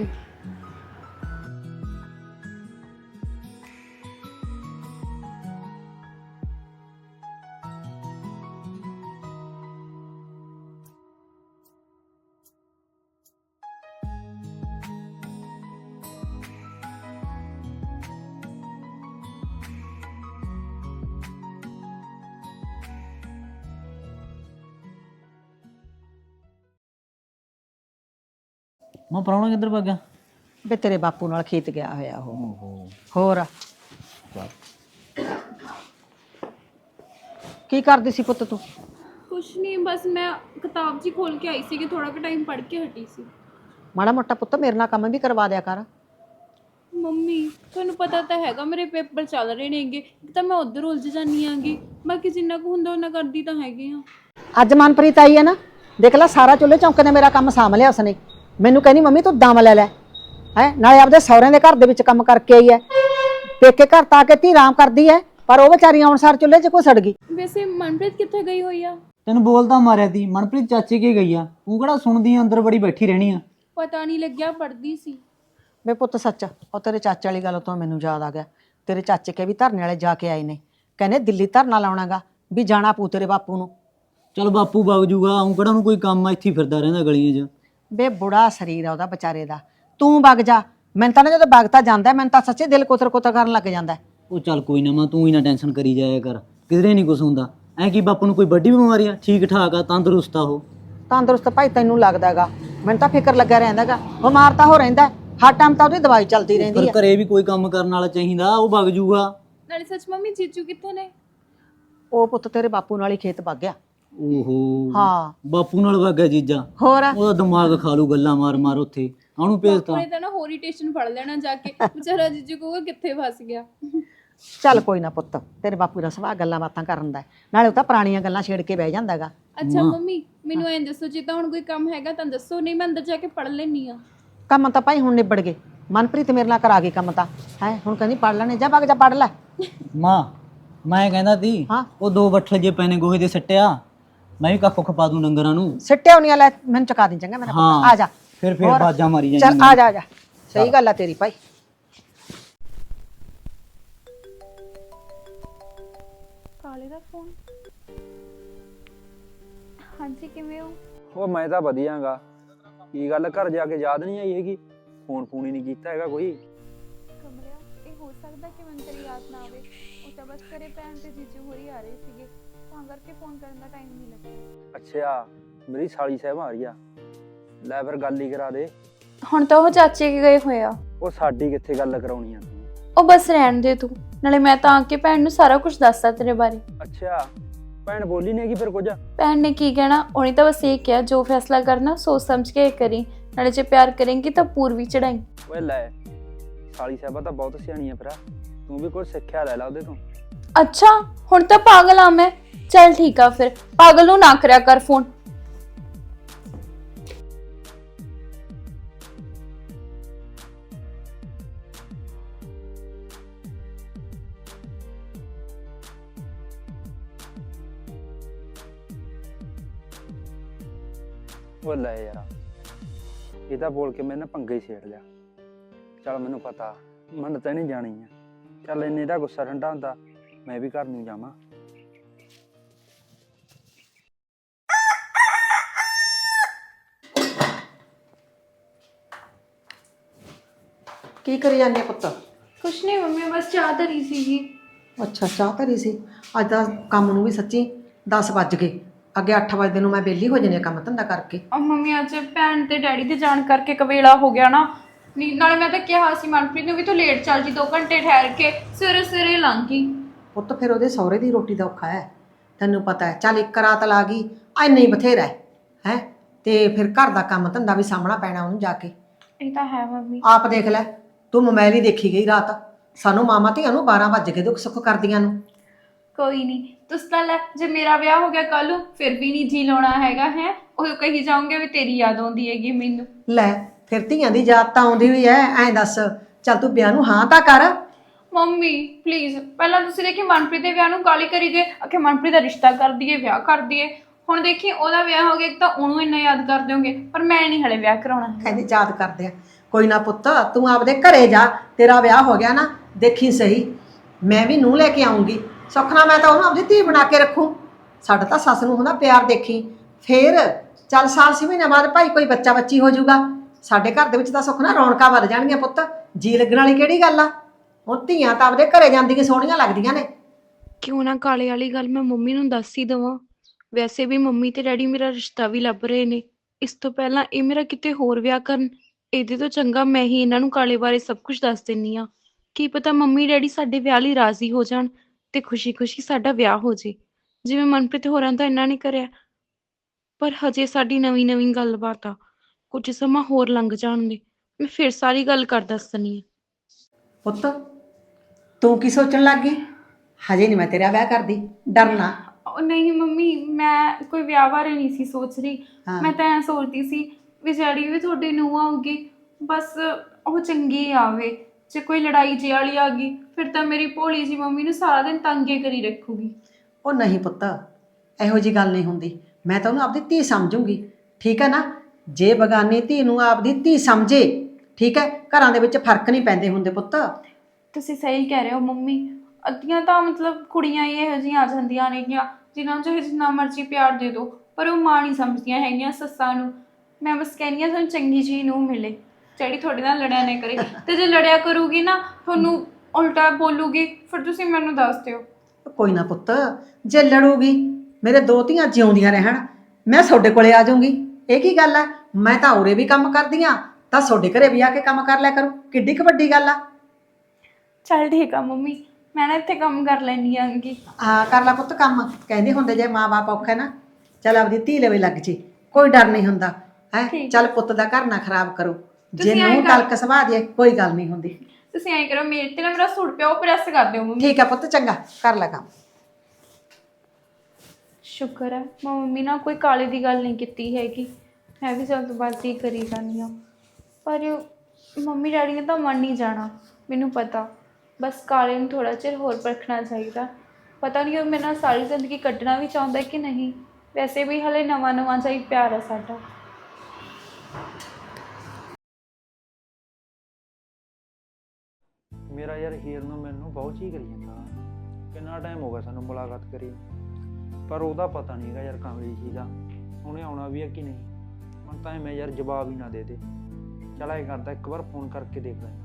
Speaker 5: ਮੈਂ ਪ੍ਰਾਹੁਣਾ ਕਿੱਧਰ ਭੱਗ ਗਿਆ?
Speaker 2: ਵੇ ਤੇਰੇ ਬਾਪੂ ਨਾਲ ਖੇਤ ਗਿਆ ਹੋਇਆ ਉਹ। ਹੋਰ ਕੀ ਕਰਦੀ ਸੀ ਪੁੱਤ ਤੂੰ?
Speaker 6: ਕੁਛ ਨਹੀਂ, ਬਸ ਮੈਂ ਕਿਤਾਬ ਜੀ ਖੋਲ ਕੇ ਆਈ ਸੀ ਕਿ ਥੋੜਾ ਕੁ ਟਾਈਮ ਪੜ੍ਹ ਕੇ ਹਟੀ ਸੀ।
Speaker 2: ਮਾੜਾ ਮੋਟਾ ਪੁੱਤ ਮੇਰੇ ਨਾਲ ਕੰਮ ਵੀ ਕਰਵਾ ਦਿਆ ਕਰ।
Speaker 6: ਮੰਮੀ ਤੁਹਾਨੂੰ ਪਤਾ ਤਾਂ ਹੈਗਾ ਮੇਰੇ ਪੇਪਰ ਚੱਲ ਰਹੇ ਨੇਗੇ, ਇੱਕ ਤਾਂ ਮੈਂ ਉੱਧਰ ਉਲਝ ਜਾਂਦੀ ਆਂਗੀ, ਬਾਕੀ ਜਿੰਨਾ ਕੁ ਹੁੰਦਾ ਉਹਨਾਂ ਕਰਦੀ ਤਾਂ ਹੈਗੀ ਆ।
Speaker 2: ਅੱਜ ਮਨਪ੍ਰੀਤ ਆਈ ਹੈ ਨਾ, ਦੇਖ ਲੈ ਸਾਰਾ ਚੁੱਲ੍ਹੇ ਚੌਂਕੇ ਨੇ ਮੇਰਾ ਕੰਮ ਸਾਂਭ ਲਿਆ ਉਸਨੇ। ਮੈਨੂੰ ਕਹਿੰਦੀ ਮੰਮੀ ਤੂੰ ਦਮ ਲੈ ਲੈ ਹੈ, ਨਾਲੇ ਆਪਦੇ ਸਹੁਰਿਆਂ ਦੇ ਘਰ ਦੇ ਵਿੱਚ ਕੰਮ ਕਰਕੇ ਆਈ ਹੈ, ਪੇਕੇ ਘਰ ਤਾਂ ਆ ਕੇ ਧੀ ਆਰਾਮ ਕਰਦੀ ਹੈ, ਪਰ ਉਹ ਵਿਚਾਰੀ ਆਉਣ ਸਾਰ ਚੁੱਲ੍ਹੇ 'ਚ ਘੁਸੜ ਗਈ।
Speaker 6: ਵੈਸੇ ਮਨਪ੍ਰੀਤ ਕਿੱਥੇ ਗਈ ਹੋਈ ਆ?
Speaker 5: ਤੈਨੂੰ ਬੋਲਦਾ ਮਾਰਿਆ ਤੀ, ਮਨਪ੍ਰੀਤ ਚਾਚੇ ਕੇ ਗਈ ਆ। ਤੂੰ ਕਿਹੜਾ ਸੁਣਦੀ ਆ, ਅੰਦਰ ਬੜੀ ਬੈਠੀ ਰਹਿਣੀ ਆ।
Speaker 6: ਪਤਾ ਨਹੀਂ ਲੱਗਿਆ, ਪੜ੍ਹਦੀ ਸੀ।
Speaker 2: ਵੇ ਪੁੱਤ ਸੱਚ, ਉਹ ਤੇਰੇ ਚਾਚੇ ਵਾਲੀ ਗੱਲ ਤੋਂ ਮੈਨੂੰ ਯਾਦ ਆ ਗਿਆ। ਤੇਰੇ ਚਾਚੇ ਕੇ ਵੀ ਧਰਨੇ ਵਾਲੇ ਜਾ ਕੇ ਆਏ ਨੇ, ਕਹਿੰਦੇ ਦਿੱਲੀ ਧਰਨਾ ਲਾਉਣਾਗਾ ਵੀ ਜਾਣਾ ਪੂ ਤੇਰੇ ਬਾਪੂ ਨੂੰ।
Speaker 5: ਚਲ ਬਾਪੂ ਵਗ ਜੂਗਾ, ਉਹ ਕਿਹੜਾ ਨੂੰ ਕੋਈ ਕੰਮ ਆ, ਇੱਥੇ ਹੀ ਫਿਰਦਾ ਰਹਿੰਦਾ ਗਲੀਆਂ 'ਚ।
Speaker 2: ਵੇ ਬੁੜਾ ਸਰੀਰ ਆ ਉਹਦਾ ਵਿਚਾਰੇ ਦਾ, ਤੂੰ ਵਗ ਜਾ। ਮੈਨੂੰ ਤਾਂ ਨਾ ਜਦੋਂ ਵਗਤਾ ਜਾਂਦਾ ਮੈਨੂੰ ਤਾਂ ਸੱਚੇ ਦਿਲ ਕੋਤਰ ਕੋਤਰ ਕਰਨ ਲੱਗ ਜਾਂਦਾ।
Speaker 5: ਉਹ ਚੱਲ ਕੋਈ ਨਾ ਮਾਂ, ਤੂੰ ਹੀ ਨਾ ਟੈਨਸ਼ਨ ਕਰੀ ਜਾਇਆ ਕਰ, ਕਿਧਰੇ ਨਹੀਂ ਕੁਛ ਹੁੰਦਾ। ਐ ਕੀ ਬਾਪੂ ਨੂੰ ਕੋਈ ਵੱਡੀ ਬਿਮਾਰੀ ਆ? ਠੀਕ ਠਾਕ ਆ, ਤੰਦਰੁਸਤ ਆ ਉਹ।
Speaker 2: ਤੰਦਰੁਸਤ ਭਾਈ ਤੈਨੂੰ ਲੱਗਦਾ ਹੈਗਾ, ਮੈਨੂੰ ਤਾਂ ਫਿਕਰ ਲੱਗਾ ਰਹਿੰਦਾ ਹੈਗਾ। ਬਿਮਾਰ ਤਾਂ ਹੋ ਰਹਿੰਦਾ, ਹਰ ਟਾਈਮ ਤਾਂ ਉਹਦੀ ਦਵਾਈ ਚੱਲਦੀ ਰਹਿੰਦੀ
Speaker 5: ਪਰ
Speaker 2: ਹੈ।
Speaker 5: ਘਰੇ ਵੀ ਕੋਈ ਕੰਮ ਕਰਨ ਵਾਲਾ ਚਾਹੀਦਾ, ਉਹ ਵਗ ਜੂਗਾ।
Speaker 6: ਨਾਲੇ ਸੱਚ ਮੰਮੀ ਜੀਜੂ ਕਿੱਥੇ ਨੇ?
Speaker 2: ਉਹ ਪੁੱਤ ਤੇਰੇ ਬਾਪੂ ਨਾਲ ਹੀ ਖੇਤ ਵਗ ਗਿਆ।
Speaker 5: ਓਹੋ
Speaker 2: ਹਾਂ
Speaker 5: ਬਾਪੂ ਨਾਲ ਵਗ ਗਿਆ ਜੀਜਾ।
Speaker 2: ਹੋਰ
Speaker 5: ਉਹਦਾ ਦਿਮਾਗ ਖਾ ਲੂ ਗੱਲਾਂ ਮਾਰ ਮਾਰ ਉੱਥੇ, ਉਹਨੂੰ ਭੇਜਤਾ।
Speaker 6: ਉਹਨੇ ਤਾਂ ਨਾ ਹੋਰ ਹੀ ਟੇਸ਼ਨ ਫੜ ਲੈਣਾ ਜਾ ਕੇ, ਵਿਚਾਰਾ ਜੀਜੂ ਕਹੂਗਾ ਕਿੱਥੇ ਫਸ ਗਿਆ।
Speaker 2: ਚੱਲ ਕੋਈ ਨਾ ਪੁੱਤ, ਤੇਰੇ ਬਾਪੂ ਦਾ ਸੁਭਾਅ ਗੱਲਾਂ ਬਾਤਾਂ ਕਰਨ ਦਾ, ਨਾਲੇ ਉਹ ਤਾਂ ਪੁਰਾਣੀਆਂ ਗੱਲਾਂ ਛੇੜ ਕੇ ਬਹਿ ਜਾਂਦਾ ਹੈਗਾ।
Speaker 6: ਅੱਛਾ ਮੰਮੀ ਮੈਨੂੰ ਐਂ ਦੱਸੋ, ਜੇ ਤਾਂ ਹੁਣ ਕੋਈ ਕੰਮ ਹੈਗਾ ਤਾਂ ਦੱਸੋ, ਨਹੀਂ ਮੈਂ ਅੰਦਰ ਜਾ ਕੇ ਪੜ੍ਹ ਲੈਣੀ ਆ।
Speaker 2: ਕੰਮ ਤਾਂ ਭਾਈ ਹੁਣ ਨਿਬੜ ਗਏ, ਮਨਪ੍ਰੀਤ ਮੇਰੇ ਨਾਲ ਕਰਾ ਗਈ ਕੰਮ ਤਾਂ ਹੈ। ਹੁਣ ਕਹਿੰਦੀ ਪੜ੍ਹ ਲੈਣੇ, ਜਾ ਵਗ ਜਾ ਪੜ੍ਹ ਲੈ।
Speaker 5: ਮਾਂ ਮੈਂ ਕਹਿੰਦਾ ਤੀ,
Speaker 2: ਹਾਂ
Speaker 5: ਉਹ ਦੋ ਬੱਠਲ ਜੇ ਪੈਨੇ ਗੋਹੇ ਦੇ ਸੱਟਿਆ, ਮੈਂ ਵੀ ਕੱਖ ਖਪਾ ਦੂੰ ਡੰਗਰਾਂ ਨੂੰ।
Speaker 2: ਸਿੱਟਿਆ ਨਹੀਂ ਲੈ, ਮੈਨੂੰ ਚੁਕਾ ਦੀ ਚੰਗਾ ਮੇਰਾ ਪੁੱਤ। ਆ ਜਾ
Speaker 5: ਫਿਰ ਫਿਰ
Speaker 2: ਹੋਰ?
Speaker 5: ਬਾਜਾਂ ਮਾਰੀ
Speaker 2: ਚੱਲ ਆ ਜਾ ਆ ਜਾ, ਸਹੀ ਗੱਲ ਆ ਤੇਰੀ ਭਾਈ।
Speaker 6: ਕਾਲੇ ਦਾ ਫੋਨ। ਹਾਂਜੀ ਕਿਵੇਂ ਹੋ?
Speaker 7: ਉਹ ਮੈਂ ਤਾਂ ਵਧੀਆਂਗਾ। ਕੀ ਗੱਲ ਘਰ ਜਾ ਕੇ ਯਾਦ ਨਹੀਂ ਆਈ ਹੈਗੀ? ਫੋਨ ਫੋਨ ਹੀ ਨਹੀਂ ਕੀਤਾ ਹੈਗਾ ਕੋਈ?
Speaker 6: ਕਮਲਿਆ ਇਹ ਹੋ ਸਕਦਾ ਕਿ ਮੈਨੂੰ ਤੇਰੀ ਯਾਦ ਨਾ ਆਵੇ, ਉਹ ਤਾਂ ਬਸ ਘਰੇ ਭੈਣ ਤੇ ਜੀਜੂ ਹੋਰੀ ਆ ਰਹੇ ਸੀਗੇ, ਤਾਂ ਕਰਕੇ ਫੋਨ ਕਰਨ ਦਾ ਟਾਈਮ ਨਹੀਂ ਲੱਗਿਆ।
Speaker 7: ਅੱਛਾ ਮੇਰੀ ਸਾਲੀ ਸਾਹਿਬ ਆ ਰਹੀ ਆ, ਲੈ ਫਿਰ ਗੱਲ ਹੀ ਕਰਾ ਦੇ।
Speaker 6: ਹੁਣ ਤਾਂ ਉਹ ਚਾਚੇ ਕੇ ਗਏ ਹੋਏ ਆ।
Speaker 7: ਉਹ ਸਾਡੀ ਕਿੱਥੇ ਗੱਲ ਕਰਾਉਣੀ ਆ ਤੂੰ?
Speaker 6: ਉਹ ਬਸ ਰਹਿਣ ਦੇ ਤੂੰ, ਨਾਲੇ ਮੈਂ ਤਾਂ ਆ ਕੇ ਭੈਣ ਨੂੰ ਸਾਰਾ ਕੁਝ ਦੱਸਤਾ ਤੇਰੇ ਬਾਰੇ।
Speaker 7: ਅੱਛਾ ਭੈਣ ਬੋਲੀ ਨਹੀਂ ਹੈਗੀ ਫਿਰ ਕੁਝ?
Speaker 6: ਭੈਣ ਨੇ ਕੀ ਕਹਿਣਾ, ਉਹਨੇ ਤਾਂ ਬਸ ਇਹ ਕਿਹਾ ਜੋ ਫੈਸਲਾ ਕਰਨਾ ਸੋਚ ਸਮਝ ਕੇ ਕਰੀ, ਨਾਲੇ ਜੇ ਪਿਆਰ ਕਰੇਂਗੀ ਤਾਂ ਪੂਰਵੀ ਚੜਾਈ।
Speaker 7: ਓਏ ਲੈ ਸਾਲੀ ਸਾਹਿਬਾ ਤਾਂ ਬਹੁਤ ਸਿਆਣੀ ਆ, ਫਿਰ ਤੂੰ ਵੀ ਕੁਝ ਸਿੱਖਿਆ ਲੈ ਲਾ ਉਹਦੇ ਤੋਂ।
Speaker 6: ਅੱਛਾ ਹੁਣ ਤਾਂ ਪਾਗਲ ਆ ਮੈਂ, ਚੱਲ ਠੀਕ ਆ ਫਿਰ, ਪਾਗਲ ਨੂੰ ਨਾ ਕਰਿਆ ਕਰ ਫੋਨ।
Speaker 7: ਉਹ ਲੈ ਯਾਰ, ਇਹ ਤਾਂ ਬੋਲ ਕੇ ਮੈਨੇ ਪੰਗਾ ਹੀ ਛੇੜ ਲਿਆ। ਚੱਲ ਮੈਨੂੰ ਪਤਾ ਮੰਨ ਤਾਂ ਨਹੀਂ ਜਾਣੀ ਆ। ਚੱਲ ਇੰਨੇ ਦਾ ਗੁੱਸਾ ਠੰਡਾ ਹੁੰਦਾ, ਮੈਂ ਵੀ ਘਰ ਨੂੰ ਜਾਵਾਂ।
Speaker 2: ਕੀ ਕਰੀ ਜਾਂਦੀ ਆ ਪੁੱਤ?
Speaker 6: ਕੁਛ ਨਹੀਂ ਮੰਮੀ, ਬਸ ਚਾਹ ਧਰੀ ਸੀਗੀ।
Speaker 2: ਅੱਛਾ, ਚਾਹ ਧਰੀ ਸੀ। ਅੱਜ ਦਾ ਕੰਮ ਨੂੰ ਵੀ ਸੱਚੀ ਦਸ ਵੱਜ ਗਏ। ਅੱਗੇ ਅੱਠ ਵਜੇ ਨੂੰ ਮੈਂ ਵਿਹਲੀ ਹੋ ਜਾਂਦੀ ਆ ਕੰਮ ਧੰਦਾ ਕਰਕੇ।
Speaker 6: ਆ ਮੰਮੀ ਅੱਜ ਭੈਣ ਤੇ ਡੈਡੀ ਦੇ ਜਾਣ ਕਰਕੇ ਕਵੇਲਾ ਹੋ ਗਿਆ ਨਾ। ਨੀ- ਨਾਲੇ ਮੈਂ ਤਾਂ ਕਿਹਾ ਸੀ ਮਨਪ੍ਰੀਤ ਨੂੰ ਵੀ ਤੂੰ ਲੇਟ ਚੱਲ ਜੀ, ਦੋ ਘੰਟੇ ਠਹਿਰ ਕੇ। ਸਵੇਰੇ ਸਵੇਰੇ ਲੰਘ ਗਈ।
Speaker 2: ਪੁੱਤ ਫਿਰ ਉਹਦੇ ਸਹੁਰੇ ਦੀ ਰੋਟੀ ਦਾ ਔਖਾ ਹੈ, ਤੈਨੂੰ ਪਤਾ ਹੈ। ਚੱਲ ਇੱਕ ਰਾਤ ਲਾ ਗਈ, ਐਨਾ ਹੀ ਬਥੇਰਾ ਹੈ ਹੈ ਤੇ ਫਿਰ ਘਰ ਦਾ ਕੰਮ ਧੰਦਾ ਵੀ ਸਾਹਮਣਾ ਪੈਣਾ ਉਹਨੂੰ ਜਾ ਕੇ।
Speaker 6: ਇਹ ਤਾਂ ਹੈ ਮੰਮੀ।
Speaker 2: ਆਪ ਦੇਖ ਲੈ, ਤੂੰ ਮੋਬਾਈਲ ਹੀ ਦੇਖੀ ਗਈ ਰਾਤ। ਸਾਨੂੰ ਮਾਮਾ ਧੀਆਂ ਨੂੰ ਬਾਰਾਂ ਵੱਜ ਗਏ ਦੁੱਖ ਸੁੱਖ ਕਰਦੀਆਂ ਨੂੰ।
Speaker 6: ਕੋਈ ਨਹੀਂ, ਤੁਸੀਂ ਤਾਂ ਲੈ, ਜੇ ਮੇਰਾ ਵਿਆਹ ਹੋ ਗਿਆ ਕੱਲ ਨੂੰ ਫਿਰ ਵੀ ਨਹੀਂ ਜੀ ਲਾਉਣਾ ਹੈਗਾ ਹੈ। ਉਹ ਕਹੀ ਜਾਓਗੇ ਵੀ ਤੇਰੀ ਯਾਦ ਆਉਂਦੀ ਹੈਗੀ ਮੈਨੂੰ।
Speaker 2: ਲੈ ਫਿਰ ਧੀਆਂ ਦੀ ਯਾਦ ਤਾਂ ਆਉਂਦੀ ਹੋਈ ਐ। ਐਂ ਦੱਸ, ਚੱਲ ਤੂੰ ਵਿਆਹ ਨੂੰ ਹਾਂ ਤਾਂ ਕਰ।
Speaker 6: ਮੰਮੀ ਪਲੀਜ਼, ਪਹਿਲਾਂ ਤੁਸੀਂ ਦੇਖੀ ਮਨਪ੍ਰੀਤ ਦੇ ਵਿਆਹ ਨੂੰ ਗਾਲੀ ਕਰੀ ਗਏ, ਆਖੇ ਮਨਪ੍ਰੀਤ ਦਾ ਰਿਸ਼ਤਾ ਕਰ ਦਈਏ, ਵਿਆਹ ਕਰ ਦਈਏ। ਹੁਣ ਦੇਖੀ ਉਹਦਾ ਵਿਆਹ ਹੋ ਗਿਆ ਤਾਂ ਉਹਨੂੰ ਇੰਨਾ ਯਾਦ ਕਰ ਦਿਓਗੇ, ਪਰ ਮੈਂ ਨਹੀਂ ਹਲੇ ਵਿਆਹ ਕਰਾਉਣਾ।
Speaker 2: ਕਹਿੰਦੇ ਯਾਦ ਕਰਦੇ ਆ। ਕੋਈ ਨਾ ਪੁੱਤ, ਤੂੰ ਆਪਦੇ ਘਰੇ ਜਾ, ਤੇਰਾ ਵਿਆਹ ਹੋ ਗਿਆ ਨਾ, ਦੇਖੀ ਸਹੀ ਮੈਂ ਵੀ ਨੂੰਹ ਲੈ ਕੇ ਆਉਂਗੀ। ਸੁਖਣਾ ਮੈਂ ਤਾਂ ਉਹਨੂੰ ਆਪਦੀ ਧੀ ਬਣਾ ਕੇ ਰੱਖੂ। ਸਾਡਾ ਤਾਂ ਸੱਸ ਨੂੰ ਹੁੰਦਾ ਪਿਆਰ, ਦੇਖੀ ਫੇਰ ਚੱਲ ਸਾਲ ਛੇ ਮਹੀਨੇ ਬਾਅਦ ਭਾਈ ਕੋਈ ਬੱਚਾ ਬੱਚੀ ਹੋ ਜਾਊਗਾ। ਸਾਡੇ ਘਰ ਦੇ ਵਿੱਚ ਤਾਂ ਸੁਖਣਾ ਰੌਣਕਾਂ ਵੱਧ ਜਾਣਗੀਆਂ ਪੁੱਤ। ਜੀ ਲੱਗਣ ਵਾਲੀ ਕਿਹੜੀ ਗੱਲ ਆ? ਹੁਣ ਧੀਆਂ ਤਾਂ ਆਪਦੇ ਘਰੇ ਜਾਂਦੀਆਂ ਸੋਹਣੀਆਂ ਲੱਗਦੀਆਂ ਨੇ।
Speaker 8: ਕਿਉਂ ਨਾ ਕਾਲੇ ਵਾਲੀ ਗੱਲ ਮੈਂ ਮੰਮੀ ਨੂੰ ਦੱਸ ਹੀ ਦੇਵਾਂ। ਵੈਸੇ ਵੀ ਮੰਮੀ ਤੇ ਡੈਡੀ ਮੇਰਾ ਰਿਸ਼ਤਾ ਵੀ ਲੱਭ ਰਹੇ ਨੇ। ਇਸ ਤੋਂ ਪਹਿਲਾਂ ਇਹ ਮੇਰਾ ਕਿਤੇ ਹੋਰ ਵਿਆਹ ਕਰਨ, ਇਹਦੇ ਤੋਂ ਚੰਗਾ ਮੈਂ ਹੀ ਇਹਨਾਂ ਨੂੰ ਕਾਲੇ ਬਾਰੇ ਸਭ ਕੁਝ ਦੱਸ ਦਿੰਨੀ ਆ। ਕੀ ਪਤਾ ਮੰਮੀ ਡੈਡੀ ਸਾਡੇ ਵਿਆਹ ਲਈ ਰਾਜ਼ੀ ਹੋ ਜਾਣ ਤੇ ਖੁਸ਼ੀ-ਖੁਸ਼ੀ ਸਾਡਾ ਵਿਆਹ ਹੋ ਜੇ, ਜਿਵੇਂ ਮਨਪ੍ਰੀਤ ਹੋਰਾਂ ਦਾ ਇਹਨਾਂ ਨੇ ਕਰਿਆ। ਪਰ ਹਜੇ ਸਾਡੀ ਨਵੀਂ-ਨਵੀਂ ਗੱਲਬਾਤ ਆ, ਕੁਝ ਸਮਾਂ ਹੋਰ ਲੰਘ ਜਾਣ ਦੇ, ਮੈਂ ਫਿਰ ਸਾਰੀ ਗੱਲ ਕਰ ਦੱਸਣੀ ਆ।
Speaker 2: ਪੁੱਤ ਤੂੰ ਕੀ ਸੋਚਣ ਲੱਗ ਗਈ? ਹਜੇ ਨਹੀਂ ਮੈਂ ਤੇਰਾ ਵਿਆਹ ਕਰਦੀ, ਡਰਨਾ।
Speaker 6: ਉਹ ਨਹੀਂ ਮੰਮੀ, ਮੈਂ ਕੋਈ ਵਿਆਹ ਬਾਰੇ ਨਹੀਂ ਸੀ ਸੋਚ ਰਹੀ।
Speaker 2: ਹਾਂ।
Speaker 6: ਮੈਂ ਤਾਂ ਐਂ ਸੋਚਦੀ ਸੀ ਵੀ ਜਿਹੜੀ ਵੀ ਤੁਹਾਡੀ ਨੂੰਹ ਆਊਗੀ ਬਸ ਉਹ ਚੰਗੀ ਆਵੇ। ਜੇ ਕੋਈ ਲੜਾਈ ਜਿਹੀ ਵਾਲੀ ਆ ਗਈ ਫਿਰ ਤਾਂ ਮੇਰੀ ਭੋਲੀ ਜੀ ਮੰਮੀ ਨੂੰ ਸਾਰਾ ਦਿਨ ਤੰਗੇ ਕਰੀ ਰੱਖੂਗੀ।
Speaker 2: ਉਹ ਨਹੀਂ ਪੁੱਤ, ਇਹੋ ਜੀ ਗੱਲ ਨਹੀਂ ਹੁੰਦੀ। ਮੈਂ ਤਾਂ ਉਹਨੂੰ ਆਪਦੀ ਧੀ ਸਮਝੂੰਗੀ, ਠੀਕ ਹੈ ਨਾ। ਜੇ ਬਗਾਨੀ ਧੀ ਨੂੰ ਆਪਦੀ ਧੀ ਸਮਝੇ, ਠੀਕ ਹੈ, ਘਰਾਂ ਦੇ ਵਿੱਚ ਫਰਕ ਨਹੀਂ ਪੈਂਦੇ ਹੁੰਦੇ ਪੁੱਤ।
Speaker 6: ਤੁਸੀਂ ਸਹੀ ਕਹਿ ਰਹੇ ਹੋ ਮੰਮੀ। ਅੱਧੀਆਂ ਤਾਂ ਮਤਲਬ ਕੁੜੀਆਂ ਹੀ ਇਹੋ ਜਿਹੀਆਂ ਆ ਜਾਂਦੀਆਂ ਨੇਗੀਆਂ ਜਿਨ੍ਹਾਂ ਨੂੰ ਚਾਹੇ ਜਿੰਨਾ ਮਰਜ਼ੀ ਪਿਆਰ ਦੇ ਦਿਓ, ਪਰ ਉਹ ਮਾਂ ਨਹੀਂ ਸਮਝਦੀਆਂ ਹੈਗੀਆਂ ਸੱਸਾਂ ਨੂੰ। ਮੈਂ ਬਸ ਕਹਿੰਦੀ ਹਾਂ ਸਾਨੂੰ ਚੰਗੀ ਜੀ ਨੂੰ ਮਿਲੇ ਜਿਹੜੀ ਤੁਹਾਡੇ ਨਾਲ ਲੜਿਆ ਨਾ ਕਰੇ। ਤੇ ਜੇ ਲੜਿਆ ਕਰੂਗੀ ਨਾ, ਤੁਹਾਨੂੰ ਉਲਟਾ ਬੋਲੂਗੀ, ਫਿਰ ਤੁਸੀਂ ਮੈਨੂੰ ਦੱਸ ਦਿਓ।
Speaker 2: ਕੋਈ ਨਾ ਪੁੱਤ, ਜੇ ਲੜੂਗੀ ਮੇਰੇ ਦੋ ਧੀਆਂ ਜਿਉਂਦੀਆਂ ਰਹਿਣ, ਮੈਂ ਤੁਹਾਡੇ ਕੋਲੇ ਆ ਜਾਊਂਗੀ। ਇਹ ਕੀ ਗੱਲ ਹੈ? ਮੈਂ ਤਾਂ ਉਰੇ ਵੀ ਕੰਮ ਕਰਦੀ ਆ, ਤਾਂ ਤੁਹਾਡੇ ਘਰੇ ਵੀ ਆ ਕੇ ਕੰਮ ਕਰ ਲਿਆ ਕਰੂ। ਕਿੱਡੀ ਕੁ ਵੱਡੀ ਗੱਲ ਆ।
Speaker 6: ਚੱਲ ਠੀਕ ਆ ਮੰਮੀ, ਮੈਂ ਨਾ ਇੱਥੇ ਕੰਮ ਕਰ ਲੈਣੀ ਆਂਗੀ।
Speaker 2: ਹਾਂ ਕਰ ਲੈ ਪੁੱਤ ਕੰਮ। ਕਹਿੰਦੇ ਹੁੰਦੇ ਜੇ ਮਾਂ ਬਾਪ ਔਖਾ ਨਾ, ਚੱਲ ਆਪਦੀ ਧੀ ਲਵੇ ਲੱਗ ਜੇ, ਕੋਈ ਡਰ ਨਹੀਂ ਹੁੰਦਾ ਹੈ। ਚੱਲ ਪੁੱਤ ਦਾ ਘਰ ਨਾ ਖਰਾਬ ਕਰੋ। ਜੇ ਨੂੰ ਤਲਕ ਸੁਭਾ ਦੇ ਕੋਈ ਗੱਲ ਨਹੀਂ ਹੁੰਦੀ।
Speaker 6: ਤੁਸੀਂ ਐਂ ਕਰੋ, ਮੇਰੇ ਤੇ ਨਾ ਮੇਰਾ ਸੂਟ ਪਿਆ ਉਹ ਪ੍ਰੈਸ ਕਰ ਦਿਓ ਮੰਮੀ।
Speaker 2: ਠੀਕ ਹੈ ਪੁੱਤ, ਚੰਗਾ ਕਰ ਲੈ ਕੰਮ।
Speaker 6: ਸ਼ੁਕਰ ਹੈ ਮੰਮੀ ਨਾਲ ਕੋਈ ਕਾਲੇ ਦੀ ਗੱਲ ਨਹੀਂ ਕੀਤੀ ਹੈਗੀ। ਮੈਂ ਵੀ ਜਲਦਬਾਜ਼ੀ ਕਰੀ ਜਾਂਦੀ ਹਾਂ, ਪਰ ਮੰਮੀ ਡੈਡੀ ਨੇ ਤਾਂ ਮੰਨ ਨਹੀਂ ਜਾਣਾ, ਮੈਨੂੰ ਪਤਾ। ਬਸ ਕਾਲੇ ਨੂੰ ਥੋੜ੍ਹਾ ਚਿਰ ਹੋਰ ਪਰਖਣਾ ਚਾਹੀਦਾ। ਪਤਾ ਨਹੀਂ ਉਹ ਮੇਰੇ ਨਾਲ ਸਾਰੀ ਜ਼ਿੰਦਗੀ ਕੱਢਣਾ ਵੀ ਚਾਹੁੰਦਾ ਕਿ ਨਹੀਂ। ਵੈਸੇ ਵੀ ਹਲੇ ਨਵਾਂ ਨਵਾਂ ਜਿਹਾ ਹੀ ਪਿਆਰ ਹੈ ਸਾਡਾ।
Speaker 7: ਮੇਰਾ ਯਾਰ ਹੀਰ ਨੂੰ ਮੈਨੂੰ ਬਹੁਤ ਹੀ ਕਰੀ ਜਾਂਦਾ। ਕਿੰਨਾ ਟਾਈਮ ਹੋ ਗਿਆ ਸਾਨੂੰ ਮੁਲਾਕਾਤ ਕਰੀ, ਪਰ ਉਹਦਾ ਪਤਾ ਨਹੀਂ ਹੈਗਾ ਯਾਰ ਕਮਲੀ ਜੀ ਦਾ, ਉਹਨੇ ਆਉਣਾ ਵੀ ਹੈ ਕਿ ਨਹੀਂ। ਹੁਣ ਤਾਂ ਮੈਂ ਯਾਰ ਜਵਾਬ ਹੀ ਨਾ ਦੇ ਦੇ। ਚੱਲ ਇਹ ਕਰਦਾ, ਇੱਕ ਵਾਰ ਫੋਨ ਕਰਕੇ ਦੇਖ ਲੈਂਦਾ।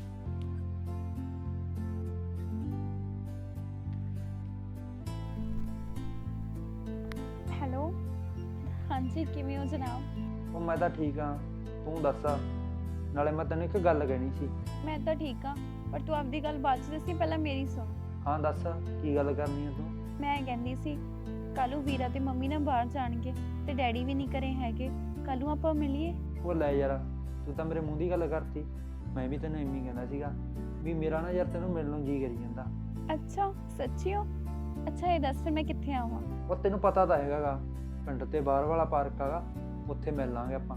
Speaker 6: ਹੈਲੋ, ਹਾਂਜੀ ਕਿਵੇਂ ਹੋ ਜਨਾਬ?
Speaker 7: ਉਹ ਮੈਂ ਤਾਂ ਠੀਕ ਹਾਂ, ਤੂੰ ਦੱਸ। ਨਾਲੇ ਮੈਂ ਤੈਨੂੰ ਇੱਕ ਗੱਲ ਕਹਿਣੀ ਸੀ।
Speaker 6: ਮੈਂ ਤਾਂ ਠੀਕ ਹਾਂ, ਪਰ ਤੂੰ ਆਪਦੀ ਗੱਲ ਬਾਅਦ 'ਚ ਦੱਸੀ, ਪਹਿਲਾਂ ਮੇਰੀ ਸੁਣ।
Speaker 7: ਹਾਂ ਦੱਸ, ਕੀ ਗੱਲ ਕਰਨੀ ਹੈ ਤੂੰ?
Speaker 6: ਮੈਂ ਕਹਿੰਦੀ ਸੀ ਕੱਲ੍ਹ ਨੂੰ ਵੀਰਾ ਤੇ ਮੰਮੀ ਨਾ ਬਾਹਰ ਜਾਣਗੇ ਤੇ ਡੈਡੀ ਵੀ ਨਹੀਂ ਘਰੇ ਹੈਗੇ, ਕੱਲ੍ਹ ਨੂੰ ਆਪਾਂ ਮਿਲੀਏ।
Speaker 7: ਉਹ ਲੈ ਯਾਰ, ਤੂੰ ਤਾਂ ਮੇਰੇ ਮੂੰਹ ਦੀ ਗੱਲ ਕਰਤੀ। ਮੈਂ ਵੀ ਤੈਨੂੰ ਐਵੇਂ ਕਹਿੰਦਾ ਸੀਗਾ ਵੀ ਮੇਰਾ ਨਾ ਯਾਰ ਤੈਨੂੰ ਮਿਲਣ ਨੂੰ ਜੀ ਕਰੀ ਜਾਂਦਾ।
Speaker 6: ਅੱਛਾ ਸੱਚੀ ਹੋ? ਅੱਛਾ ਇਹ ਦੱਸ ਫਿਰ ਮੈਂ ਕਿੱਥੇ ਆਵਾਂ?
Speaker 7: ਉਹ ਤੈਨੂੰ ਪਤਾ ਤਾਂ ਹੈਗਾਗਾ ਪਿੰਡ ਤੇ ਬਾਹਰ ਵਾਲਾ ਪਾਰਕ ਹੈਗਾ, ਉੱਥੇ ਮਿਲ ਲਾਂਗੇ ਆਪਾਂ।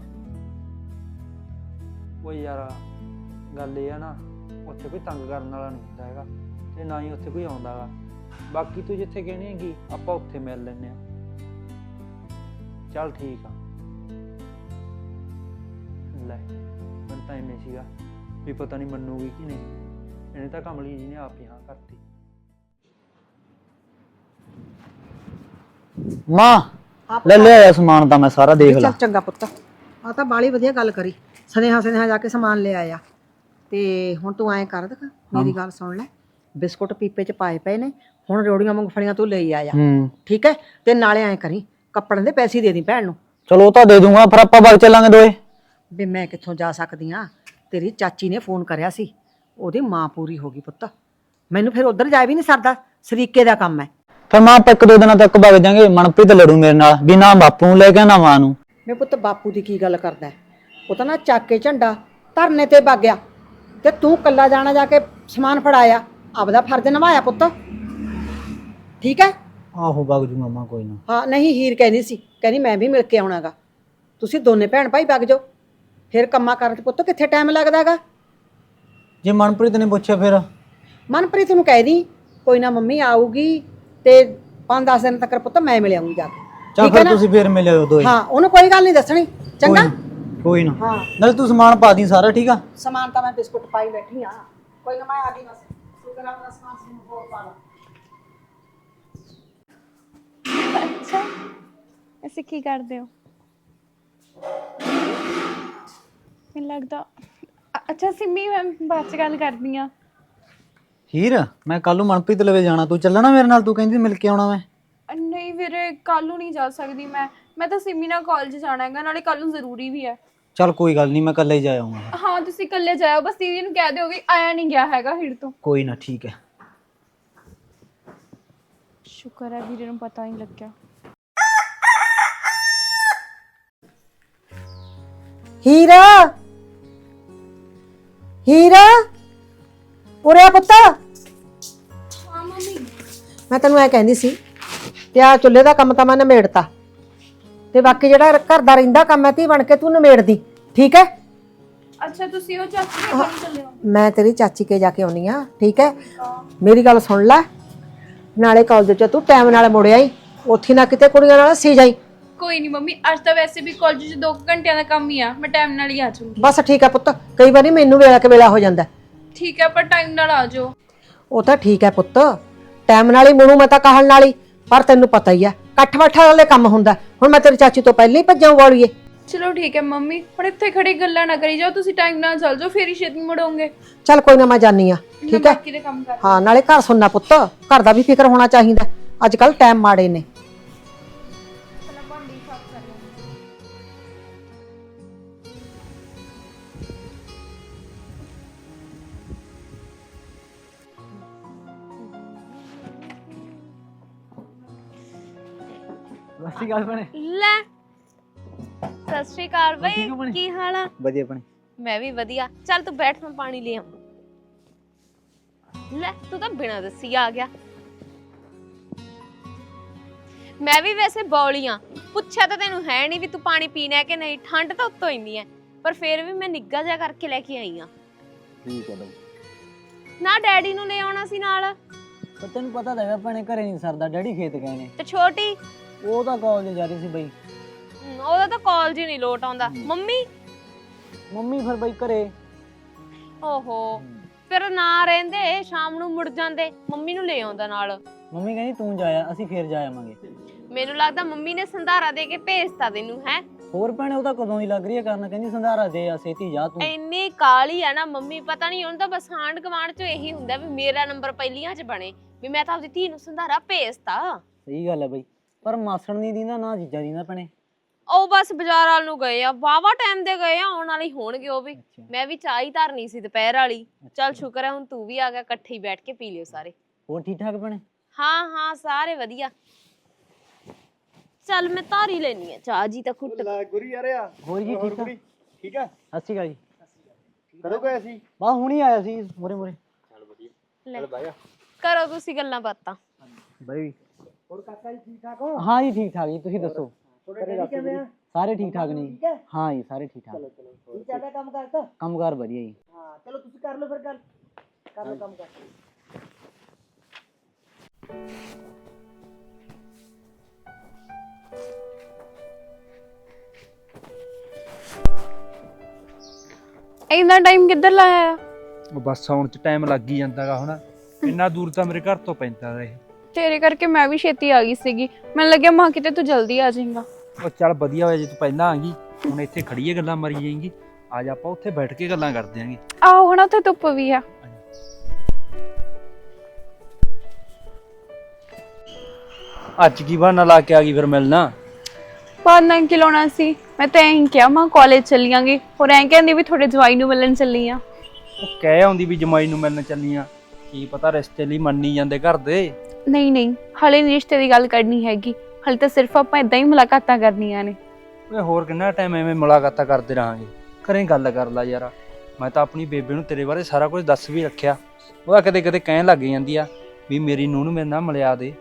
Speaker 7: ਉਹ ਯਾਰ ਗੱਲ ਇਹ ਆ ਨਾ, ਉੱਥੇ ਕੋਈ ਤੰਗ ਕਰਨ ਵਾਲਾ ਨਹੀਂ ਹੁੰਦਾ ਹੈਗਾ ਤੇ ਨਾ ਹੀ ਉੱਥੇ ਕੋਈ ਆਉਂਦਾ ਗਾ। ਬਾਕੀ ਤੂੰ ਜਿੱਥੇ ਕਹਿਣੀ ਹੈਗੀ ਆਪਾਂ ਉੱਥੇ ਮਿਲ ਲੈਂਦੇ ਆ। ਚੱਲ ਠੀਕ ਆ। ਲੈ ਮੈਨੂੰ ਤਾਂ ਇੰਨੇ ਸੀਗਾ ਵੀ ਪਤਾ ਨਹੀਂ ਮੰਨੂਗੀ ਕਿ ਨਹੀਂ, ਇਹਨੇ ਤਾਂ ਕਮਲੀ ਜੀ ਨੇ ਆਪ ਹੀ ਹਾਂ ਕਰਤੀ।
Speaker 5: ਮਾਂ ਲੈ ਲਿਆ ਸਮਾਨ ਤਾਂ ਮੈਂ ਸਾਰਾ ਦੇਖ
Speaker 2: ਚੱਲ
Speaker 5: ਲਾ।
Speaker 2: ਚੰਗਾ ਪੁੱਤ, ਆ ਤਾਂ ਬਾਲੀ ਵਧੀਆ ਗੱਲ ਕਰੀ। ਸਨੇਹਾ ਸਨੇਹਾ ਜਾ ਕੇ ਸਮਾਨ ਲੈ ਆਇਆ। ਤੇ ਹੁਣ ਤੂੰ ਐਂ ਕਰ ਦੇਖ, ਮੇਰੀ ਗੱਲ ਸੁਣ ਲੈ। ਬਿਸਕੁਟ ਪੀਪੇ ਚ ਪਾਏ ਪਏ ਨੇ, ਹੁਣ ਰੋੜੀਆਂ ਮੂੰਗਫਲੀਆਂ ਤੂੰ ਲਈ ਆਇਆ,
Speaker 5: ਹੂੰ
Speaker 2: ਠੀਕ ਹੈ? ਤੇ ਨਾਲੇ ਐਂ ਕਰੀ, ਕੱਪੜਾਂ ਦੇ ਪੈਸੇ ਦੇ ਦੀ ਭੈਣ ਨੂੰ।
Speaker 5: ਚਲੋ ਉਹ ਤਾਂ ਦੇ ਦੂੰਗਾ, ਫਿਰ ਆਪਾਂ ਵਗ ਚੱਲਾਂਗੇ ਦੋਏ।
Speaker 2: ਵੀ ਮੈਂ ਕਿੱਥੋਂ ਜਾ ਸਕਦੀ ਆ? ਤੇਰੀ ਚਾਚੀ ਨੇ ਫੋਨ ਕਰਿਆ ਸੀ, ਉਹਦੀ ਮਾਂ ਪੂਰੀ ਹੋ ਗਈ ਪੁੱਤ। ਮੈਨੂੰ ਫਿਰ ਉਧਰ ਜਾ ਵੀ ਨਹੀਂ ਸਰਦਾ, ਸਰੀਕੇ ਦਾ ਕੰਮ ਹੈ।
Speaker 5: ਫਿਰ ਮਾਂ ਆਪਾਂ ਇੱਕ ਦੋ ਦਿਨਾਂ ਤੱਕ ਵਗ ਜਾਾਂਗੇ। ਮਨਪ੍ਰੀਤ ਲੜੂ ਮੇਰੇ ਨਾਲ ਵੀ ਨਾ ਬਾਪੂ ਨੂੰ ਲੈ ਕੇ ਨਾ ਮਾਂ ਨੂੰ।
Speaker 2: ਮੈਂ ਪੁੱਤ ਬਾਪੂ ਦੀ ਕੀ ਗੱਲ ਕਰਦਾ? ਉਹ ਤਾਂ ਨਾ ਚੱਕ ਕੇ ਝੰਡਾ ਧਰਨੇ ਤੇ ਵਗ ਗਿਆ ਤੇ ਤੂੰ ਕੱਲਾ ਜਾਣਾ ਜਾ ਕੇ ਸਮਾਨ ਫੜਾਇਆ। ਆਪਦਾ ਫਰਜ਼ ਨਿਭਾਇਆ ਪੁੱਤ, ਠੀਕ ਹੈ?
Speaker 5: ਆਹੋ ਵਗ ਜੂ ਮਾਮਾ, ਕੋਈ ਨਾ।
Speaker 2: ਹਾਂ ਨਹੀਂ, ਹੀਰ ਕਹਿੰਦੀ ਸੀ, ਕਹਿੰਦੀ ਮੈਂ ਵੀ ਮਿਲ ਕੇ ਆਉਣਾਗਾ। ਤੁਸੀਂ ਦੋਨੇ ਭੈਣ ਭਾਈ ਵਗ ਜਾਓ, ਫਿਰ ਕੰਮਾਂ ਕਰਨ ਤੇ ਪੁੱਤ ਕਿੱਥੇ ਟਾਈਮ ਲੱਗਦਾਗਾ।
Speaker 5: ਜੇ ਮਨਪ੍ਰੀਤ ਨੇ ਪੁੱਛਿਆ ਫਿਰ?
Speaker 2: ਮਨਪ੍ਰੀਤ ਨੂੰ ਕਹਿ ਦੀ ਕੋਈ ਨਾ ਮੰਮੀ ਆਊਗੀ ਤੇ ਪੰਜ ਦਸ ਦਿਨ ਤੱਕ ਪੁੱਤ ਮੈਂ ਮਿਲ ਆਉਂਗੀ ਜਾ ਕੇ।
Speaker 5: ਚੱਲ ਫਿਰ ਤੁਸੀਂ ਫਿਰ ਮਿਲਿਓ ਦੋਏ।
Speaker 2: ਹਾਂ ਉਹਨੂੰ ਕੋਈ ਗੱਲ ਨਹੀਂ ਦੱਸਣੀ, ਚੰਗਾ?
Speaker 5: ਕੋਈ ਨਾ।
Speaker 2: ਹਾਂ
Speaker 5: ਨਾਲੇ ਤੂੰ ਸਮਾਨ ਪਾ ਦੀ ਸਾਰਾ, ਠੀਕ ਆ?
Speaker 2: ਸਮਾਨ ਤਾਂ ਮੈਂ ਬਿਸਕੁਟ ਪਾਈ ਬੈਠੀ ਆ, ਕੋਈ ਨਾ ਮੈਂ ਆ ਗਈ ਬਸ। ਤੂੰ ਕਰਾ ਆਪਣਾ ਸਮਾਨ ਸਮੂਨ ਹੋਰ ਪਾ ਲਾ।
Speaker 6: ਅੱਛਾ ਅਸੀਂ ਕੀ ਕਰਦੇ ਹੋ? ਮੈਨੂੰ ਲੱਗਦਾ ਅ- ਅੱਛਾ ਸਿੰਮੀ, ਮੈਂ ਬਾਅਦ ਚ ਗੱਲ ਕਰਦੀ ਆ।
Speaker 5: ਹੀਰ ਮੈਂ ਕੱਲ ਨੂੰ ਮਨਪ੍ਰੀਤ ਲਵੇ ਜਾਣਾ, ਤੂੰ ਚੱਲਣਾ ਮੇਰੇ ਨਾਲ? ਤੂੰ ਕਹਿੰਦੀ ਮਿਲ ਕੇ ਆਉਣਾ ਮੈਂ।
Speaker 6: ਨਹੀਂ ਵੀਰੇ ਕੱਲ ਨੂੰ ਨਹੀਂ ਜਾ ਸਕਦੀ ਮੈਂ ਮੈਂ ਤਾਂ ਸਿੰਮੀ ਨਾਲ ਕਾਲਜ ਜਾਣਾ ਹੈਗਾ, ਨਾਲੇ ਕੱਲ ਨੂੰ ਜ਼ਰੂਰੀ ਵੀ ਹੈ।
Speaker 5: ਚੱਲ ਕੋਈ ਗੱਲ ਨਹੀਂ, ਮੈਂ ਇਕੱਲਾ ਹੀ ਜਾ ਆਉਂਗਾ।
Speaker 6: ਹਾਂ ਤੁਸੀਂ ਇਕੱਲੇ ਜਾਇਓ, ਬਸ ਦੀਦੀ ਨੂੰ ਕਹਿ ਦਿਓ ਵੀ ਆਇਆ ਨਹੀਂ ਗਿਆ ਹੈਗਾ ਹੀਰ ਤੋਂ।
Speaker 5: ਕੋਈ ਨਾ ਠੀਕ ਹੈ।
Speaker 6: ਸ਼ੁਕਰ ਹੈ ਵੀਰੇ ਨੂੰ ਪਤਾ ਨਹੀਂ ਲੱਗਿਆ।
Speaker 2: ਹੀਰਾ, ਹੀਰਾ ਉਰੇ ਆ ਪੁੱਤ।
Speaker 6: ਹਾਂ ਮੰਮੀ।
Speaker 2: ਮੈਂ ਤੈਨੂੰ ਐ ਕਹਿੰਦੀ ਸੀ ਤੇ ਆ ਚੁੱਲ੍ਹੇ ਦਾ ਕੰਮ ਤਾਂ ਮੈਂ ਨਿਮੇੜਤਾ, ਤੇ ਬਾਕੀ ਜਿਹੜਾ ਘਰ ਦਾ ਰਹਿੰਦਾ ਕੰਮ ਹੈ ਤੀ ਬਣ ਕੇ ਤੂੰ ਨਿਮੇੜਦੀ, ਠੀਕ ਹੈ?
Speaker 6: ਅੱਛਾ ਤੁਸੀਂ ਉਹ ਚਾਚੀ ਦੇ ਘਰ ਚੱਲੇ ਹੋ?
Speaker 2: ਮੈਂ ਤੇਰੀ ਚਾਚੀ ਕੇ ਜਾ ਕੇ ਆਉਣੀ ਆ, ਠੀਕ ਹੈ? ਮੇਰੀ ਗੱਲ ਸੁਣ ਲੈ, ਨਾਲੇ ਕਾਲਜ ਚ ਤੂੰ ਟਾਈਮ ਨਾਲ ਮੁੜਿਆ ਹੀ, ਉੱਥੇ ਨਾ ਕਿਤੇ ਕੁੜੀਆਂ ਨਾਲ ਸੀ ਜਾਈ।
Speaker 6: ਕੋਈ ਨਹੀਂ ਮੰਮੀ, ਅੱਜ ਤਾਂ ਵੈਸੇ ਵੀ ਕਾਲਜ 'ਚ ਦੋ ਘੰਟਿਆਂ ਦਾ ਕੰਮ ਹੀ ਆ, ਮੈਂ ਟਾਈਮ ਨਾਲ ਹੀ ਆ ਜਾਊਂਗੀ।
Speaker 2: ਬਸ ਠੀਕ ਹੈ ਪੁੱਤ, ਕਈ ਵਾਰੀ ਮੈਨੂੰ ਵੇਲਾ ਕੇ ਵੇਲਾ ਹੋ ਜਾਂਦਾ।
Speaker 6: ਠੀਕ ਹੈ ਪਰ ਟਾਈਮ ਨਾਲ ਆ ਜਾਓ।
Speaker 2: ਉਹ ਤਾਂ ਠੀਕ ਹੈ ਪੁੱਤ, ਟਾਈਮ ਨਾਲ ਹੀ ਮੁੜੂ ਮੈਂ ਤਾਂ ਕਹਿਣ ਨਾਲ ਹੀ, ਪਰ ਤੈਨੂੰ ਪਤਾ ਹੀ ਆ ਇਕੱਠ ਬੱਠਾ ਵਾਲੇ ਕੰਮ ਹੁੰਦਾ। ਹੁਣ ਮੈਂ ਤੇਰੀ ਚਾਚੀ ਤੋਂ ਪਹਿਲਾਂ ਹੀ ਭੱਜਾਂ ਵਾਲੀਏ।
Speaker 6: ਚਲੋ ਠੀਕ ਹੈ ਮੰਮੀ, ਹੁਣ ਇੱਥੇ ਖੜੀ ਗੱਲਾਂ ਨਾ ਕਰੀ ਜਾਓ, ਤੁਸੀਂ ਟਾਈਮ ਨਾਲ ਚੱਲ ਜਾਓ, ਫੇਰ ਹੀ ਛੇਤੀ ਮੁੜੋਗੇ।
Speaker 2: ਚੱਲ ਕੋਈ ਨਾ, ਮੈਂ ਜਾਨੀ ਆ, ਠੀਕ ਹੈ?
Speaker 6: ਬਾਕੀ ਦੇ ਕੰਮ ਕਰ।
Speaker 2: ਹਾਂ ਨਾਲੇ ਘਰ ਸੁਣਨਾ ਪੁੱਤ, ਘਰ ਦਾ ਵੀ ਫਿਕਰ ਹੋਣਾ ਚਾਹੀਦਾ, ਅੱਜ ਕੱਲ ਟਾਈਮ ਮਾੜੇ ਨੇ।
Speaker 6: ਪਹਿਲਾਂ ਭਾਂਡੇ ਸਾਫ਼ ਕਰ ਲਵਾਂ।
Speaker 5: ਸਸੀ ਗੱਲ ਬਣੇ।
Speaker 4: ਲੈ ਸਤਿ ਸ਼੍ਰੀ ਅਕਾਲ ਬਈ, ਕੀ ਹਾਲ ਆ?
Speaker 5: ਵਧੀਆ ਬਣੇ।
Speaker 4: ਮੈਂ ਵੀ ਵਧੀਆ। ਚੱਲ ਤੂੰ ਬੈਠ, ਮੈਂ ਪਾਣੀ ਲੈ ਆਵਾਂ। ਲੈ ਤੂੰ ਤਾਂ ਬਿਨਾਂ ਦੱਸੀ ਆ ਗਿਆ। ਮੈਂ ਵੀ ਵੈਸੇ ਬੌਲੀ ਆ, ਪੁੱਛਿਆ ਤਾਂ ਤੈਨੂੰ ਹੈ ਨਹੀਂ ਵੀ ਤੂੰ ਪਾਣੀ ਪੀਣਾ ਹੈ ਕਿ ਨਹੀਂ। ਠੰਡ ਤਾਂ ਉੱਤੋਂ ਇੰਨੀ ਹੈ, ਪਰ ਫੇਰ ਵੀ ਮੈਂ ਨਿੱਘਾ ਜਿਹਾ ਕਰਕੇ ਲੈ ਕੇ ਆਈ ਆ।
Speaker 5: ਠੀਕ ਹੈ ਬਈ।
Speaker 4: ਨਾ ਡੈਡੀ ਨੂੰ ਲੈ ਆਉਣਾ ਸੀ ਨਾਲ।
Speaker 5: ਪਰ ਤੈਨੂੰ ਪਤਾ ਤਾਂ ਹੈਗਾ ਭੈਣੇ ਘਰੇ ਨਹੀਂ ਸਰਦਾ, ਡੈਡੀ ਖੇਤ ਗਏ ਨੇ।
Speaker 4: ਤੇ ਛੋਟੀ
Speaker 5: ਉਹ ਤਾਂ ਕਾਲਜ ਜਾ ਰਹੀ ਸੀ ਬਈ।
Speaker 4: ਹਮ, ਉਹਦਾ ਤਾਂ ਕਾਲਜ ਹੀ ਨਹੀਂ ਲੋਟ ਆਉਂਦਾ। ਮੰਮੀ
Speaker 5: ਮੰਮੀ ਫਿਰ ਬਈ ਘਰੇ।
Speaker 4: ਓਹੋ, ਫਿਰ ਨਾ ਰਹਿੰਦੇ ਸ਼ਾਮ ਨੂੰ ਮੁੜ ਜਾਂਦੇ, ਮੰਮੀ ਨੂੰ ਲੈ ਆਉਂਦਾ ਨਾਲ।
Speaker 5: ਮੰਮੀ ਕਹਿੰਦੀ ਤੂੰ ਜਾਇਆ, ਅਸੀਂ ਫੇਰ ਜਾ ਆਵਾਂਗੇ।
Speaker 4: ਮੈਨੂੰ ਲੱਗਦਾ ਮੰਮੀ ਨੇ ਸੰਧਾਰਾ ਦੇ ਕੇ ਭੇਜਤਾ ਤੈਨੂੰ। ਹੈ
Speaker 5: ਹੋਰ ਭੈਣੇ ਉਹ ਤਾਂ ਕਦੋਂ ਹੀ ਲੱਗ ਰਹੀ ਹੈ ਕਰਨ, ਕਹਿੰਦੀ ਸੰਧਾਰਾ ਦੇ ਆ ਛੇਤੀ ਜਾ ਤੂੰ।
Speaker 4: ਇੰਨੀ ਕਾਲੀ ਆ ਨਾ ਮੰਮੀ, ਪਤਾ ਨਹੀਂ ਉਹਨੂੰ ਤਾਂ ਬਸ ਆਂਢ ਗੁਆਂਢ ਚ ਇਹੀ ਹੁੰਦਾ ਵੀ ਮੇਰਾ ਨੰਬਰ ਪਹਿਲੀਆਂ ਚ ਬਣੇ, ਵੀ ਮੈਂ ਤਾਂ ਆਪਦੀ ਧੀ ਨੂੰ ਸੰਧਾਰਾ ਭੇਜਤਾ।
Speaker 5: ਸਹੀ ਗੱਲ ਹੈ ਬਈ, ਪਰ ਮਾਸੜ ਨਹੀਂ ਦੀਂਦਾ ਨਾ ਜੀਜਾ ਦੀਂਦਾ ਭੈਣੇ।
Speaker 4: ਉਹ ਬਸ ਬਾਜ਼ਾਰ ਵਾਲ ਨੂੰ ਗਏ ਆ, ਵਾਵਾ ਟਾਈਮ ਦੇ ਗਏ ਆ, ਆਉਣ ਵਾਲੀ ਹੋਣਗੇ ਉਹ ਵੀ। ਮੈਂ ਵੀ ਚਾਹ ਹੀ ਧਰਨੀ ਸੀ ਦੁਪਹਿਰ ਵਾਲੀ। ਚੱਲ ਸ਼ੁਕਰ ਹੈ ਹੁਣ ਤੂੰ ਵੀ ਆ ਗਿਆ, ਇਕੱਠੇ ਹੀ ਬੈਠ ਕੇ ਪੀ ਲਿਓ ਸਾਰੇ।
Speaker 5: ਹੋਰ ਠੀਕ ਠਾਕ ਭੈਣੇ?
Speaker 4: ਹਾਂ ਹਾਂ ਸਾਰੇ ਵਧੀਆ। ਚੱਲ ਮੈਂ ਧਾਰੀ ਲੈਣੀ ਆ ਚਾਹ ਜੀ ਤਾਂ ਘੁੱਟ।
Speaker 7: ਗੁਰੀ ਯਾਰ ਆ
Speaker 5: ਹੋਰ ਜੀ ਠੀਕ ਆ?
Speaker 7: ਠੀਕ ਆ।
Speaker 5: ਸਤਿ ਸ਼੍ਰੀ ਅਕਾਲ ਜੀ।
Speaker 7: ਕਦੋਂ ਗਏ ਸੀ?
Speaker 5: ਬਾ ਹੁਣੀ ਆਇਆ ਸੀ ਮੋਰੇ ਮੋਰੇ।
Speaker 4: ਲੈ ਕਰੋ ਤੁਸੀਂ ਗੱਲਾਂ ਬਾਤਾਂ।
Speaker 5: ਬਈ
Speaker 2: ਹੋਰ ਕਾਕਾ ਜੀ ਠੀਕ ਠਾਕ ਹੋ?
Speaker 5: ਹਾਂ ਜੀ ਠੀਕ ਠਾਕ ਜੀ, ਤੁਸੀਂ ਦੱਸੋ?
Speaker 2: ਤੁਹਾਡੇ ਕਿਵੇਂ ਆ?
Speaker 5: ਸਾਰੇ ਠੀਕ ਠਾਕ ਨੇ ਜੀ। ਹਾਂ ਜੀ ਸਾਰੇ ਠੀਕ ਠਾਕ।
Speaker 2: ਚਲੋ ਚਲੋ ਕੀ ਚੱਲਦਾ ਕੰਮ ਕਰਦਾ?
Speaker 5: ਕੰਮਕਾਰ ਵਧੀਆ ਜੀ।
Speaker 2: ਹਾਂ ਚਲੋ ਤੁਸੀਂ ਕਰ ਲਓ ਫਿਰ ਗੱਲ, ਕਰ ਲਓ ਕੰਮ ਕਰ।
Speaker 8: ਇੰਨਾ ਟਾਈਮ ਕਿੱਧਰ ਲਾਇਆ ਆ?
Speaker 7: ਉਹ ਬੱਸ ਆਉਣ 'ਚ ਟਾਈਮ ਲੱਗ ਹੀ ਜਾਂਦਾਗਾ ਹੁਣ, ਇੰਨਾ ਦੂਰ ਤਾਂ ਮੇਰੇ ਘਰ ਤੋਂ ਪੈਂਦਾ ਗਾ ਇਹ।
Speaker 8: ਤੇਰੇ ਕਰਕੇ ਮੈਂ ਵੀ ਛੇਤੀ ਆ ਗਈ ਸੀਗੀ, ਮੈਨੂੰ ਲੱਗਿਆ ਮਾਂ ਕਿਤੇ ਤੂੰ ਜਲਦੀ ਆ ਜਾਏਗਾ।
Speaker 7: ਉਹ ਚੱਲ ਵਧੀਆ ਹੋਇਆ ਜੇ ਤੂੰ ਪਹਿਲਾਂ ਆ ਗਈ, ਹੁਣ ਇੱਥੇ ਖੜੀਏ ਗੱਲਾਂ ਮਾਰੀ ਜਾਏਂਗੀ। ਅੱਜ ਆਪਾਂ ਉੱਥੇ ਬੈਠ ਕੇ ਗੱਲਾਂ ਕਰਦੇ ਆਂਗੇ।
Speaker 8: ਆਹੋ ਹੁਣ ਉੱਥੇ ਧੁੱਪ ਵੀ ਆ।
Speaker 7: ਅੱਜ ਕੀ ਬਹਾਨਾ ਲਾ ਕੇ ਆ ਗਈ ਫਿਰ ਮਿਲਣਾ?
Speaker 8: ਬਾਅਦ ਨਾਲ ਕੀ ਲਾਉਣਾ ਸੀ, ਮੈਂ ਤਾਂ ਐਂ ਕਿਹਾ ਮਾਂ ਕਾਲਜ ਚੱਲੀਆਂਗੇ, ਹੋਰ ਐਂ ਕਹਿੰਦੀ ਵੀ ਤੁਹਾਡੇ ਜਵਾਈ ਨੂੰ ਮਿਲਣ ਚੱਲੀ ਆ।
Speaker 7: ਉਹ ਕਹਿ ਆਉਂਦੀ ਵੀ ਜਮਾਈ ਨੂੰ ਮਿਲਣ ਚੱਲੀਆਂ, ਕੀ ਪਤਾ ਰਿਸ਼ਤੇ ਲਈ ਮੰਨੀ ਜਾਂਦੇ ਘਰ ਦੇ।
Speaker 8: ਨਹੀਂ ਨਹੀਂ ਹਲੇ ਨਹੀਂ ਰਿਸ਼ਤੇ ਦੀ ਗੱਲ ਕਰਨੀ ਹੈਗੀ, ਹਲੇ ਤਾਂ ਸਿਰਫ ਆਪਾਂ ਇਦਾਂ ਹੀ ਮੁਲਾਕਾਤਾਂ ਕਰਨੀਆਂ ਨੇ।
Speaker 7: ਓਏ ਹੋਰ ਕਿੰਨਾ ਟਾਈਮ ਐਵੇਂ ਮੁਲਾਕਾਤਾਂ ਕਰਦੇ ਰਹਾਂਗੇ, ਘਰੇ ਗੱਲ ਕਰ ਲਾ ਯਾਰ। ਮੈਂ ਤਾਂ ਆਪਣੀ ਬੇਬੇ ਨੂੰ ਤੇਰੇ ਬਾਰੇ ਸਾਰਾ ਕੁਝ ਦੱਸ ਵੀ ਰੱਖਿਆ, ਉਹ ਕਦੇ ਕਦੇ ਕਹਿਣ ਲੱਗ ਜਾਂਦੀ ਆ ਵੀ ਮੇਰੀ ਨੂੰਹ ਨੂੰ ਮੇਰੇ ਨਾਲ ਮਿਲਿਆ ਦੇ।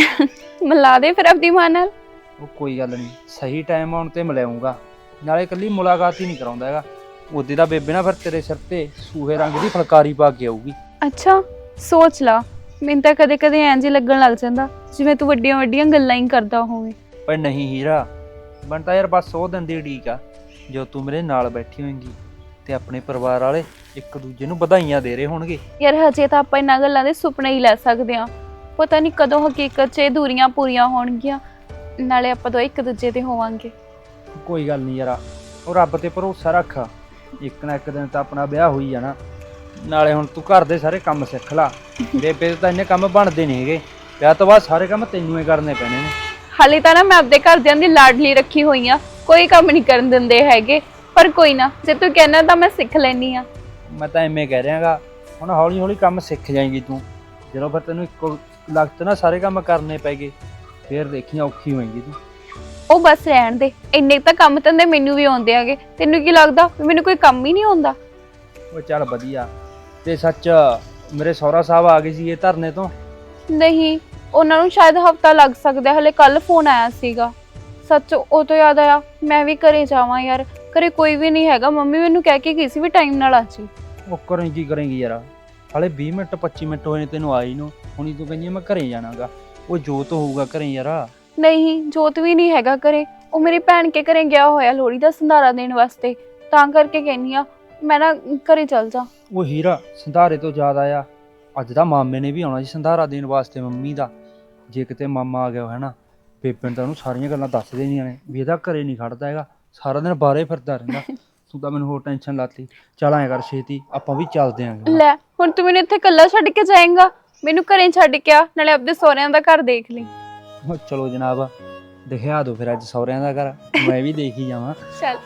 Speaker 8: ਮਿਲਾ ਦੇ ਫਿਰ ਆਪਣੀ ਮਾਂ ਨਾਲ।
Speaker 7: ਉਹ ਕੋਈ ਗੱਲ ਨਹੀਂ, ਸਹੀ ਟਾਈਮ ਆਉਣ ਤੇ ਮਿਲਾਉਂਗਾ, ਨਾਲੇ ਇਕੱਲੀ ਮੁਲਾਕਾਤ ਹੀ ਨਹੀਂ ਕਰਾਉਂਦਾ ਹੈਗਾ। ਉਹਦੇ ਦਾ ਬੇਬੇ ਨਾ ਫਿਰ ਤੇਰੇ ਸਿਰ ਤੇ ਸੂਹੇ ਰੰਗ ਦੀ ਫੁਲਕਾਰੀ ਪਾ ਕੇ ਆਊਗੀ।
Speaker 8: ਅੱਛਾ ਸੋਚ ਲਾ, ਮੈਨੂੰ ਤਾਂ ਕਦੇ ਕਦੇ ਐਂ ਜੇ ਲੱਗਣ ਲੱਗ ਜਾਂਦਾ ਜਿਵੇਂ ਤੂੰ ਵੱਡੀਆਂ ਵੱਡੀਆਂ ਗੱਲਾਂ ਹੀ ਕਰਦਾ ਹੋਵੇਂ।
Speaker 7: ਪਰ ਨਹੀਂ ਹੀਰਾ, ਬਣਤਾ ਯਾਰ ਬਸ ਉਹ ਦਿਨ ਦੀ ਉਡੀਕ ਆ ਜੋ ਤੂੰ ਮੇਰੇ ਨਾਲ ਬੈਠੀ ਹੋਏਂਗੀ ਤੇ ਆਪਣੇ ਪਰਿਵਾਰ ਵਾਲੇ ਇੱਕ ਦੂਜੇ ਨੂੰ ਵਧਾਈਆਂ ਦੇ ਰਹੇ ਹੋਣਗੇ।
Speaker 8: ਯਾਰ ਹਜੇ ਤਾਂ ਆਪਾਂ ਇਹਨਾਂ ਗੱਲਾਂ ਦੇ ਸੁਪਨੇ ਹੀ ਲੈ ਸਕਦੇ ਹਾਂ, ਪਤਾ ਨਹੀਂ ਕਦੋਂ ਹਕੀਕਤ 'ਚ ਇਹ ਦੂਰੀਆਂ ਪੂਰੀਆਂ ਹੋਣਗੀਆਂ, ਨਾਲੇ ਆਪਾਂ ਤੋਂ ਇੱਕ ਦੂਜੇ ਤੇ ਹੋਵਾਂਗੇ।
Speaker 7: ਕੋਈ ਗੱਲ ਨਹੀਂ ਯਾਰਾ, ਉਹ ਰੱਬ ਤੇ ਭਰੋਸਾ ਰੱਖ, ਇੱਕ ਨਾ ਇੱਕ ਦਿਨ ਤਾਂ ਆਪਣਾ ਵਿਆਹ ਹੋਈ ਜਾਣਾ। ਨਾਲੇ ਹੁਣ ਤੂੰ ਘਰ ਦੇ ਸਾਰੇ ਕੰਮ ਸਿੱਖ ਲਾ, ਬੇਬੇ ਦੇ ਤਾਂ ਇੰਨੇ ਕੰਮ ਬਣਦੇ ਨਹੀਂ ਹੈਗੇ, ਵਿਆਹ ਤੋਂ ਬਾਅਦ ਸਾਰੇ ਕੰਮ ਤੈਨੂੰ ਹੀ ਕਰਨੇ ਪੈਣੇ ਨੇ।
Speaker 8: ਹਾਲੇ ਤਾਂ ਨਾ ਮੈਂ ਆਪਦੇ ਘਰਦਿਆਂ ਦੀ ਲਾਡਲੀ ਰੱਖੀ ਹੋਈ ਆ, ਕੋਈ ਕੰਮ ਨਹੀਂ ਕਰਨ ਦਿੰਦੇ ਹੈਗੇ, ਪਰ ਕੋਈ ਨਾ ਜੇ ਤੂੰ ਕਹਿਣਾ ਤਾਂ ਮੈਂ ਸਿੱਖ ਲੈਣੀ ਆ।
Speaker 7: ਮੈਂ ਤਾਂ ਐਵੇਂ ਕਹਿ ਰਿਹਾਗਾ, ਹੁਣ ਹੌਲੀ ਹੌਲੀ ਕੰਮ ਸਿੱਖ ਜਾਏਂਗੀ ਤੂੰ, ਜਦੋਂ ਫਿਰ ਤੈਨੂੰ ਇੱਕੋ ਲਗਤ ਨਾ ਸਾਰੇ ਕੰਮ ਕਰਨੇ ਪੈਗੇ ਫਿਰ ਦੇਖੀ ਔਖੀ ਹੋਏਗੀ ਤੂੰ।
Speaker 8: ਉਹ ਬਸ ਰਹਿਣ ਦੇ, ਇੰਨੇ ਤਾਂ ਕੰਮ ਧੰਦੇ ਮੈਨੂੰ ਵੀ ਆਉਂਦੇ ਆਗੇ, ਤੈਨੂੰ ਕੀ ਲੱਗਦਾ ਵੀ ਮੈਨੂੰ ਕੋਈ ਕੰਮ ਹੀ ਨਹੀਂ ਆਉਂਦਾ?
Speaker 7: ਉਹ ਚੱਲ ਵਧੀਆ। ਤੇ ਸੱਚ ਮੇਰੇ ਸਹੁਰਾ ਸਾਹਿਬ ਆ ਗਏ ਸੀ ਇਹ ਧਰਨੇ ਤੋਂ?
Speaker 8: ਨਹੀਂ ਉਹਨਾਂ ਨੂੰ ਸ਼ਾਇਦ ਹਫਤਾ ਲੱਗ ਸਕਦਾ, ਹਲੇ ਕੱਲ ਫੋਨ ਆਇਆ ਸੀਗਾ। ਸੱਚ ਉਹ ਤੋਂ ਯਾਦ ਆਇਆ, ਮੈਂ ਵੀ ਘਰੇ ਜਾਵਾਂ ਯਾਰ, ਘਰੇ ਕੋਈ ਵੀ ਨਹੀਂ ਹੈਗਾ, ਮੰਮੀ ਮੈਨੂੰ ਕਹਿ ਕੇ ਗਈ ਸੀ ਵੀ ਟਾਈਮ ਨਾਲ ਆ ਜੀ।
Speaker 7: ਉਹ ਕਰੇ ਕੀ ਕਰੇਂਗੀ ਯਾਰ, ਹਾਲੇ ਵੀਹ ਮਿੰਟ ਪੱਚੀ ਮਿੰਟ ਹੋਏ ਨੇ ਤੈਨੂੰ ਆਈ ਨੂੰ, ਹੁਣੀ ਤੂੰ ਕਹਿੰਦੀ ਮੈਂ ਘਰੇ ਜਾਣਾਗਾ। ਉਹ ਜੋਤ ਹੋਊਗਾ ਘਰੇ ਯਾਰ।
Speaker 8: ਨਹੀਂ ਜੋਤ ਵੀ ਨਹੀਂ ਹੈਗਾ ਘਰੇ, ਉਹ ਮੇਰੀ ਭੈਣ ਕੇ ਘਰੇ ਗਿਆ ਹੋਇਆ ਲੋਹੜੀ ਦਾ ਸੰਧਾਰਾ ਦੇਣ ਵਾਸਤੇ, ਤਾਂ ਕਰਕੇ ਕਹਿੰਨੀ ਆ ਮੈਂ ਨਾ ਘਰੇ ਚੱਲ ਜਾ।
Speaker 7: ਉਹ ਹੀਰਾ ਸੰਧਾਰੇ ਤੋਂ ਯਾਦ ਆਇਆ, ਅੱਜ ਦਾ ਮਾਮੇ ਨੇ ਵੀ ਆਉਣਾ ਸੀ ਸੰਧਾਰਾ ਦੇਣ ਵਾਸਤੇ ਮੰਮੀ ਦਾ। ਜੇ ਕਿਤੇ ਮਾਮਾ ਆ ਗਿਆ ਹੈ ਨਾ, ਬੇਬੇ ਨੇ ਤਾਂ ਉਹਨੂੰ ਸਾਰੀਆਂ ਗੱਲਾਂ ਦੱਸ ਦੇਣੀਆਂ ਨੇ ਵੀ ਇਹਦਾ ਘਰੇ ਨਹੀਂ ਖੜਦਾ ਹੈਗਾ, ਸਾਰਾ ਦਿਨ ਬਾਹਰੇ ਫਿਰਦਾ ਰਹਿੰਦਾ। ਤੂੰ ਤਾਂ ਮੈਨੂੰ ਹੋਰ ਟੈਨਸ਼ਨ ਲਾਤੀ। ਚੱਲ ਐਂ ਕਰ ਛੇਤੀ ਆਪਾਂ ਵੀ ਚੱਲਦੇ ਆਂਗੇ।
Speaker 8: ਲੈ ਹੁਣ ਤੂੰ ਮੈਨੂੰ ਇੱਥੇ ਇਕੱਲਾ ਛੱਡ ਕੇ ਜਾਏਂਗਾ? ਮੈਨੂੰ ਘਰੇ ਛੱਡ ਕੇ ਆ, ਨਾਲੇ ਆਪਦੇ ਸਹੁਰਿਆਂ ਦਾ ਘਰ ਦੇਖ ਲਈ।
Speaker 7: ਚਲੋ ਜਨਾਬ ਦਿਖਾ ਦਿਓ ਫਿਰ ਅੱਜ ਸਹੁਰਿਆਂ ਦਾ ਘਰ, ਮੈਂ ਵੀ ਦੇਖ ਹੀ ਜਾਵਾਂ।
Speaker 8: ਚੱਲ।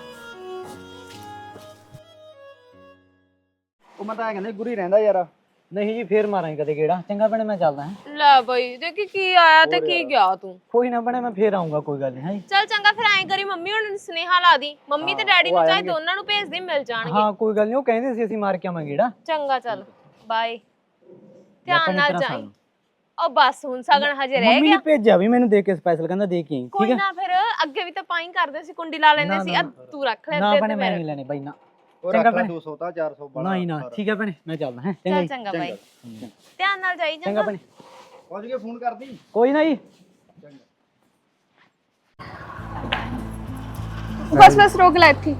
Speaker 5: ਉਹ ਮੈਂ ਤਾਂ ਕਹਿੰਦਾ ਗੁਰੀ ਰਹਿੰਦਾ ਯਾਰ। ਨਹੀਂ ਜੀ ਫੇਰ ਮਾਰਾਂਗੇ ਕਦੇ ਗੇੜਾ। ਚੰਗਾ ਭੈਣੇ ਮੈਂ ਚੱਲਦਾ ਹਾਂ।
Speaker 4: ਲੈ ਬਈ ਦੇਖੀ ਕੀ ਆਇਆ ਤੇ ਕੀ ਗਿਆ ਤੂੰ।
Speaker 5: ਕੋਈ ਨਾ ਭੈਣੇ ਮੈਂ ਫੇਰ ਆਉਂਗਾ, ਕੋਈ ਗੱਲ ਨਹੀਂ ਹੈ।
Speaker 4: ਚੱਲ ਚੰਗਾ ਫਿਰ ਐਂ ਕਰੀ ਮੰਮੀ ਹੁਣ ਸੁਨੇਹਾ ਲਾ ਦੀ, ਮੰਮੀ ਤੇ ਡੈਡੀ ਨੂੰ ਚਾਹੇ ਦੋਨਾਂ ਨੂੰ ਭੇਜ ਦੇ, ਮਿਲ ਜਾਣਗੇ।
Speaker 5: ਹਾਂ ਕੋਈ ਗੱਲ ਨਹੀਂ, ਉਹ ਕਹਿੰਦੇ ਸੀ ਅਸੀਂ ਮਾਰ ਕੇ ਆਵਾਂਗੇ ਗੇੜਾ।
Speaker 4: ਚੰਗਾ ਚੱਲ ਬਾਏ, ਧਿਆਨ ਨਾਲ ਜਾਈਂ। ਉਹ ਬਸ ਹੁਣ ਸਗਣ ਹਜੇ ਰਹਿ
Speaker 5: ਮੰਮੀ
Speaker 4: ਗਿਆ।
Speaker 5: ਨੇ ਭੇਜਿਆ ਵੀ ਮੈਨੂੰ ਦੇ ਕੇ, ਸਪੈਸ਼ਲ ਕਹਿੰਦਾ ਦੇ ਕੇ ਆਈ।
Speaker 4: ਕੋਈ
Speaker 5: ਠੀਕ ਹੈ
Speaker 4: ਨਾ ਫਿਰ ਅੱਗੇ ਵੀ ਤਾਂ ਪਾਈ ਕਰਦੇ ਸੀ, ਕੁੰਡੀ ਲਾ ਲੈਂਦੇ ਸੀ। ਆ ਤੂੰ ਰੱਖ ਲੈ
Speaker 5: ਨਾ
Speaker 4: ਤੇ
Speaker 5: ਭੈਣੇ ਮੈਂ
Speaker 4: ਫਿਰ
Speaker 5: ਨਹੀਂ ਲੈਣੇ ਬਾਈ ਨਾ।
Speaker 3: ਚੰਗਾ ਭੈਣੇ ਦੋ ਸੌ ਤਾਂ ਚਾਰ ਸੌ ਬੜਾ
Speaker 5: ਨਹੀਂ ਨਾ ਠੀਕ ਹੈ ਭੈਣੇ ਮੈਂ ਚੱਲਦਾ ਹਾਂ।
Speaker 4: ਚੱਲ ਚੰਗਾ ਬਾਈ, ਧਿਆਨ ਨਾਲ ਜਾਈ।
Speaker 5: ਚੰਗਾ ਭੈਣੇ
Speaker 3: ਪਹੁੰਚ ਕੇ ਫੋਨ ਕਰਦੀ।
Speaker 5: ਕੋਈ ਨਾ ਜੀ।
Speaker 8: ਬਸ ਬਸ ਰੋਕ ਲੈ ਇੱਥੇ।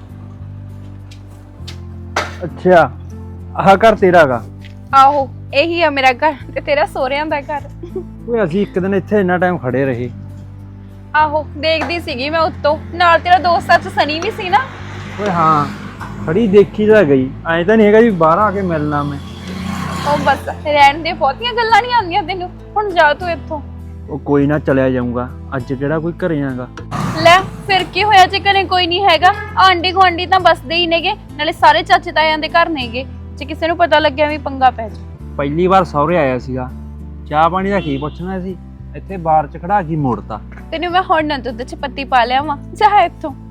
Speaker 7: ਅੱਛਾ ਆਹ ਘਰ ਤੇਰਾ ਗਾ?
Speaker 8: ਆਹੋ ਇਹੀ ਆ ਮੇਰਾ ਘਰ ਤੇ ਤੇਰਾ ਸਹੁਰਿਆਂ ਦਾ ਘਰ।
Speaker 7: ਓਏ ਅਸੀਂ ਇੱਕ ਦਿਨ ਇੱਥੇ ਇੰਨਾ ਟਾਈਮ ਖੜੇ ਰਹੇ।
Speaker 8: ਆਹੋ ਦੇਖਦੀ ਸੀਗੀ ਮੈਂ ਉੱਤੋਂ, ਨਾਲ ਤੇਰਾ ਦੋਸਤ ਅੱਜ ਸਨੀ ਵੀ ਸੀ ਨਾ।
Speaker 7: ਓਏ ਹਾਂ ਖੜੀ ਦੇਖੀ ਤਾਂ ਗਈ, ਐਂ ਤਾਂ ਨਹੀਂ ਹੈਗਾ ਜੀ ਬਾਹਰ ਆ ਕੇ ਮਿਲਣਾ ਮੈਂ।
Speaker 8: ਉਹ ਬਸ ਰਹਿਣ ਦੇ, ਬਹੁਤੀਆਂ ਗੱਲਾਂ ਨਹੀਂ ਆਉਂਦੀਆਂ ਤੈਨੂੰ, ਹੁਣ ਜਾ ਤੂੰ ਇੱਥੋਂ।
Speaker 7: ਉਹ ਕੋਈ ਨਾ ਚਲਿਆ ਜਾਊਂਗਾ, ਅੱਜ ਕਿਹੜਾ ਕੋਈ ਘਰੇ ਆਗਾ।
Speaker 8: ਲੈ ਫਿਰ ਕੀ ਹੋਇਆ ਜੇ ਘਰੇ ਕੋਈ ਨਹੀਂ ਹੈਗਾ? ਆਂਢੀ ਗੁਆਂਢੀ ਤਾਂ ਬਸਦੇ ਹੀ ਨੇਗੇ, ਨਾਲੇ ਸਾਰੇ ਚਾਚੇ ਤਾਇਆਂ ਦੇ ਘਰ ਨੇਗੇ, ਜੇ ਕਿਸੇ ਨੂੰ ਪਤਾ ਲੱਗਿਆ ਵੀ ਪੰਗਾ ਪੈ ਜਾ।
Speaker 7: ਪਹਿਲੀ ਵਾਰ ਸਹੁਰੇ ਆਇਆ ਸੀਗਾ, ਚਾਹ ਪਾਣੀ ਦਾ ਕੀ ਪੁੱਛਣਾ ਸੀ, ਇੱਥੇ ਬਾਹਰ ਚ ਖੜਾ ਕੇ ਮੋੜਤਾ।
Speaker 8: ਤੈਨੂੰ ਮੈਂ ਹੁਣ ਨਾ ਦੁੱਧ ਚ ਪੱਤੀ ਪਾ ਲਿਆ ਵਾਂ, ਜਾ ਇੱਥੋਂ।